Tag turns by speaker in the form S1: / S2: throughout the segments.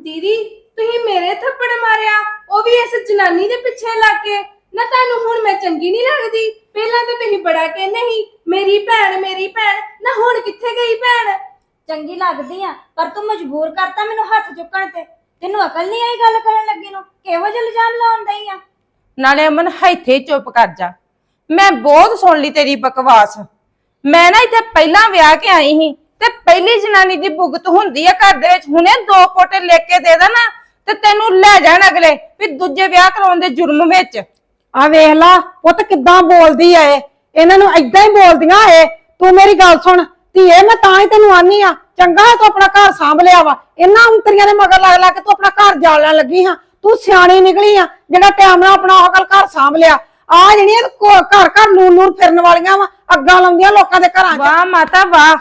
S1: दीदी तुही मेरे थप्पड़ मारिया वो भी इस जनानी दे पिछे लग के ना तानू हुण मैं चंगी नहीं लगदी। पहला तो तुही बड़ा कहने ही मेरी भैन ना हुण किथे गई भैन।
S2: चंगी लगदी आ पर तू मजबूर करता मैनू हथ चुकण ते। तेनू अकल नहीं आई गल करन लगी नू किहो जिहा इल्जाम लाउण दई आ।
S3: नाले अमन ਇੱਥੇ चुप कर जा। मैं बहुत सुन ली तेरी बकवास। मैं ना इत्थे पहला विआह के आई ही ते पहली जनानी दी भुगत हुंदी आ घर दे विच। हुणे 2 पोटे लिख के दे देना ते तैनू ले जाण अगले भी दूजे विआह कराउण दे जुर्म विच।
S4: आ वेख ला पुੱਤ किद्दां बोलदी ऐ इन्हां नूं इदां ही बोलदियां ऐ। तू मेरी गल सुन धीए मैं तां ही तैनूं आनी आ चंगा है तू अपना घर सांभ लिया वा। इन्हां अंतरियां दे मगर लग लग के तू अपना घर जालण लगी हां। तू सियाणी निकली आ जेड़ा टाइम नाल अपना ओह गल घर सांभ लिया। आ ਜਿਹੜੀਆਂ घर घर लून लून फिरन वालियां वा अग्गां लाउंदियां लोकां दे घरां च।
S3: वाह माता वाह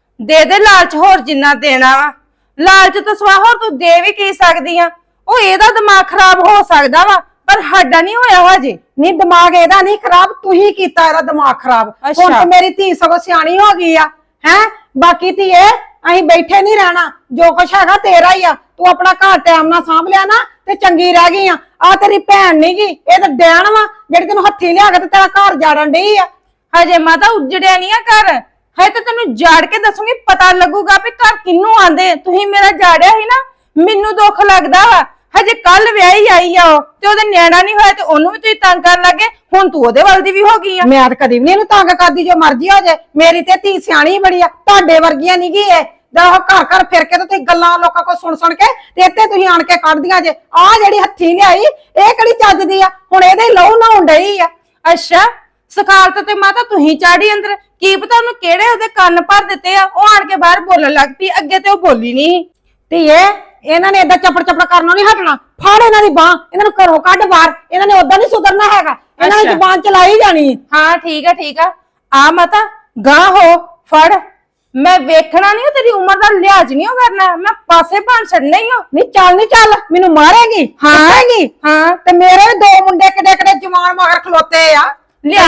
S3: दे लालच होर जिन्ना देना वा। लालच तो सवा होर तू दे भी की सकदी आ। ओ एदा दिमाग खराब हो सकदा वा पर साडा नहीं होया हजे।
S4: नहीं दिमाग एदा नहीं खराब तू ही कीता एदा दिमाग खराब। हुण ते मेरी धी सगों सियाणी हो गई आ हैं। बाकी धीए असीं बैठे नहीं रहना जो कुछ हैगा तेरा ही आ। तू अपना घर टाइम नाल सांभ लिया ना ते चंगी रह गई आ तेरी भैन नहीं गी ए ते डैन वा जेड़ी तैनूं हत्थी लिया के ते तेरा घर जाड़न डई आ।
S3: हजे माता उजड़िया नहीं आ घर है तो तेनू जाड़ के दसूंगी पता लगूगा भी घर किन्नू आंदे। तुही मेरा जाड़िया ही ना मैनू दुख लगदा वा। हजे कल विआही आई आ ते ओहदा न्याणा नहीं होया ते ओनू भी तुही तंग कर लगे। हुण तू ओहदे वल दी भी हो गई आ।
S4: मैं ते कदी भी नहीं तंग करदी जो मर्जी हो जाए। मेरी ते धी सियाणी बड़ी आ तुहाडे वर्गियां नहीं गी ए घर घर फिर के ते गल्लां लोकां को सुन के ते इत्थे तुही आण के कढदियां जे। आ जेड़ी हत्थी लिआई ए किहड़ी चजदी आ हुण एदे लहू नहाउण डई आ।
S3: अच्छा सखालत ते माता तुही चाड़ी अंदर की पता ओनू किहड़े ओहदे कंन भर दित्ते आ। ओ आण के बाहर बोलण लग पई अगे ते ओ बोली नहीं।
S4: धीए इन्हां ने ਏਦਾਂ चपड़ चपड़ करनों नहीं हटना। फड़ इन्हां दी बांह इन्हां नूं घरों कढ बाहर। इन्हां ने उदां नहीं सुधरना हैगा इन्हां ने जुबान चलाई जानी।
S3: हाँ ठीक है आ माता गां हो फड़। मैं वेखना नहीं तेरी उम्र का लिहाज नहीं करना। मैं पासे भाण छड़ना ही हो।
S4: नहीं चल मैनू मारेगी हारेगी।
S3: हाँ
S4: ते मेरे 2 मुंडे किडे किडे जवान मगर खलोते आ।
S3: लिया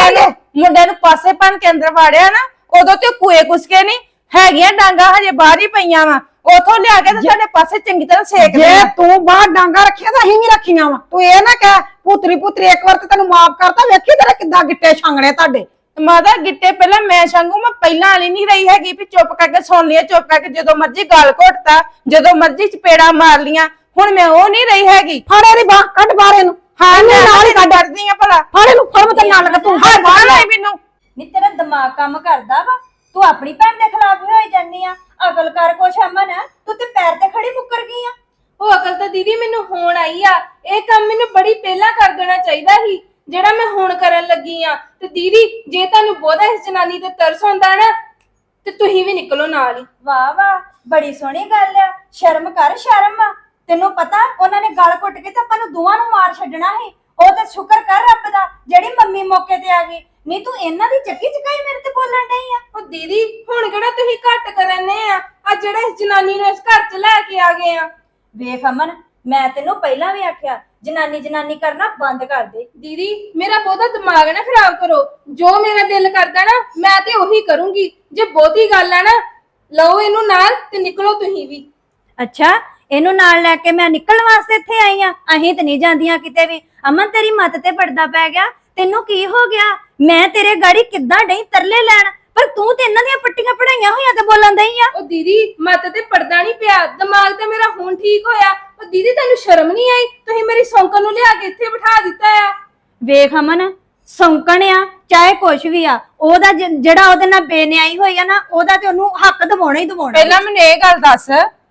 S3: मुंडे नूं पासे भाण के अंदर वाड़िया ना उदों ते कुए कुसके नहीं हैगियां डांगा हजे बाहर ही पईयां वा। उथों लिया के ते साडे पासे चंगी तरह सेक दे।
S4: जे तू बाहर डांगा रखिया तां अहीं भी रखियां वा। तू ए ना कह पुतरी पुतरी एक बार ते तैनूं माफ करता वेखी तेरे किद्दां गिट्टे छांगणे तुहाडे।
S3: माता गिट्टे पहला मैं छांगू मैं पहला वाली नहीं रही हैगी भी चुप करके सुन लिया चुप करके जो मर्जी गाल घोटता जो मर्जी चपेड़ा मार लिया। हुण मैं वो नहीं रही हैगी।
S4: फड़े दी बांह कढ बाहर इनू।
S3: हाँ मैं नाल ही डरदी आ भला।
S4: फड़ इनू फड़ मैं नाल लगा तू
S3: हां बाहर लाई मैनू।
S2: नी तेरा दिमाग काम करदा वा तू अपनी भैन दे खिलाफ ही होई जानी आ। अकल कर कुछ अमन तू ते पैर ते खड़ी मुकर गई आ।
S1: ਉਹ ਅਕਲ ਤਾਂ ਦੀਦੀ ਮੈਨੂੰ ਹੁਣ ਆਈ ਆ। ਇਹ ਕੰਮ ਮੈਨੂੰ ਬੜੀ ਪਹਿਲਾਂ ਕਰ ਦੇਣਾ ਚਾਹੀਦਾ ਸੀ ਜਿਹੜਾ ਮੈਂ ਹੁਣ ਕਰਨ ਲੱਗੀ ਆ। ਤੇ ਦੀਦੀ ਜੇ ਤੁਹਾਨੂੰ ਬਹੁਤਾ ਇਸ ਜਨਾਨੀ ਤੇ ਤਰਸ ਆਉਂਦਾ ਨਾ ਤੇ ਤੁਸੀਂ ਵੀ ਨਿਕਲੋ ਨਾਲ ਹੀ।
S2: वाह वाह बड़ी सोहनी गल आ। शर्म कर शर्म आ। तेनू पता उन्होंने गल घुट के ते आपां नूं दोवां नूं मार छड्डना ਸੀ। ਉਹ ਤੇ ਸ਼ੁਕਰ ਕਰ ਰੱਬ ਦਾ ਜਿਹੜੀ ਮੰਮੀ ਮੌਕੇ ਤੇ ਆ ਗਈ। ਨਹੀਂ ਤੂੰ ਇਹਨਾਂ ਦੀ ਚੱਕੀ ਚਕਾਈ ਮੇਰੇ ਤੇ ਬੋਲਣ ਡਈ ਆ।
S1: ਉਹ ਦੀਦੀ ਹੁਣ ਕਿਹੜਾ ਤੁਸੀਂ ਘੱਟ ਕਰਨੇ ਆ ਆ ਜਿਹੜਾ ਇਸ ਜਨਾਨੀ ਨੂੰ ਇਸ ਘਰ 'ਚ ਲੈ ਕੇ ਆ ਗਏ ਆ।
S2: ਵੇਖ ਅਮਨ ਮੈਂ ਤੈਨੂੰ ਪਹਿਲਾਂ ਵੀ ਆਖਿਆ ਜਨਾਨੀ ਕਰਨਾ ਬੰਦ ਕਰ ਦੇ।
S1: ਦੀਦੀ ਮੇਰਾ ਬਹੁਤਾ ਦਿਮਾਗ ਨਾ ਖਰਾਬ ਕਰੋ। ਜੋ ਮੇਰਾ ਦਿਲ ਕਰਦਾ ਨਾ ਮੈਂ ਤੇ ਉਹੀ ਕਰੂੰਗੀ। ਜੇ ਬਹੁਤੀ ਗੱਲ ਆ ਨਾ ਲਓ ਇਹਨੂੰ ਨਾਲ ਤੇ ਨਿਕਲੋ ਤੁਸੀਂ ਵੀ।
S2: ਅੱਛਾ ਇਹਨੂੰ ਨਾਲ ਲੈ ਕੇ ਮੈਂ ਨਿਕਲਣ ਵਾਸਤੇ ਇੱਥੇ ਆਈ ਆ। ਅਸੀਂ ਤੇ ਨਹੀਂ ਜਾਂਦੀਆਂ ਕਿਤੇ ਵੀ। ਅਮਨ ਤੇਰੀ ਮੱਤ ਤੇ ਪਰਦਾ ਪੈ ਗਿਆ। ਤੈਨੂੰ ਕੀ ਹੋ ਗਿਆ? ਮੈਂ ਤੇਰੇ ਗਾੜੀ ਕਿੱਦਾਂ ਡਈ ਤਰਲੇ ਲੈਣ ਪਰ ਤੂੰ ਤੇ ਇਹਨਾਂ ਦੀਆਂ ਪੱਟੀਆਂ ਪੜਾਈਆਂ ਹੋਈਆਂ ਤੇ ਬੋਲਣ ਦਈ ਆ।
S1: ਉਹ ਦੀਦੀ ਮੱਤ ਤੇ ਪਰਦਾ ਨਹੀਂ ਪਿਆ ਦਿਮਾਗ ਤੇ ਮੇਰਾ ਹੁਣ ਠੀਕ ਹੋਇਆ। ਉਹ ਦੀਦੀ ਤੈਨੂੰ ਸ਼ਰਮ ਨਹੀਂ ਆਈ? ਤੁਸੀਂ ਮੇਰੀ ਸੌਂਕਣ ਨੂੰ ਲਿਆ ਕੇ ਇੱਥੇ ਬਿਠਾ ਦਿੱਤਾ ਆ।
S2: ਵੇਖ ਅਮਨ ਸੌਂਕਣ ਆ ਚਾਹੇ ਕੁਛ ਵੀ ਆ ਉਹਦਾ ਜਿਹੜਾ ਉਹਦੇ ਨਾਲ ਬੇਨਿਆਈ ਹੋਈ ਆ ਨਾ ਉਹਦਾ ਤੇ ਉਹਨੂੰ ਹੱਕ ਦਿਵਾਉਣਾ ਹੀ ਦਿਵਾਉਣਾ।
S3: ਪਹਿਲਾਂ ਮੈਨੂੰ ਇਹ ਗੱਲ ਦੱਸ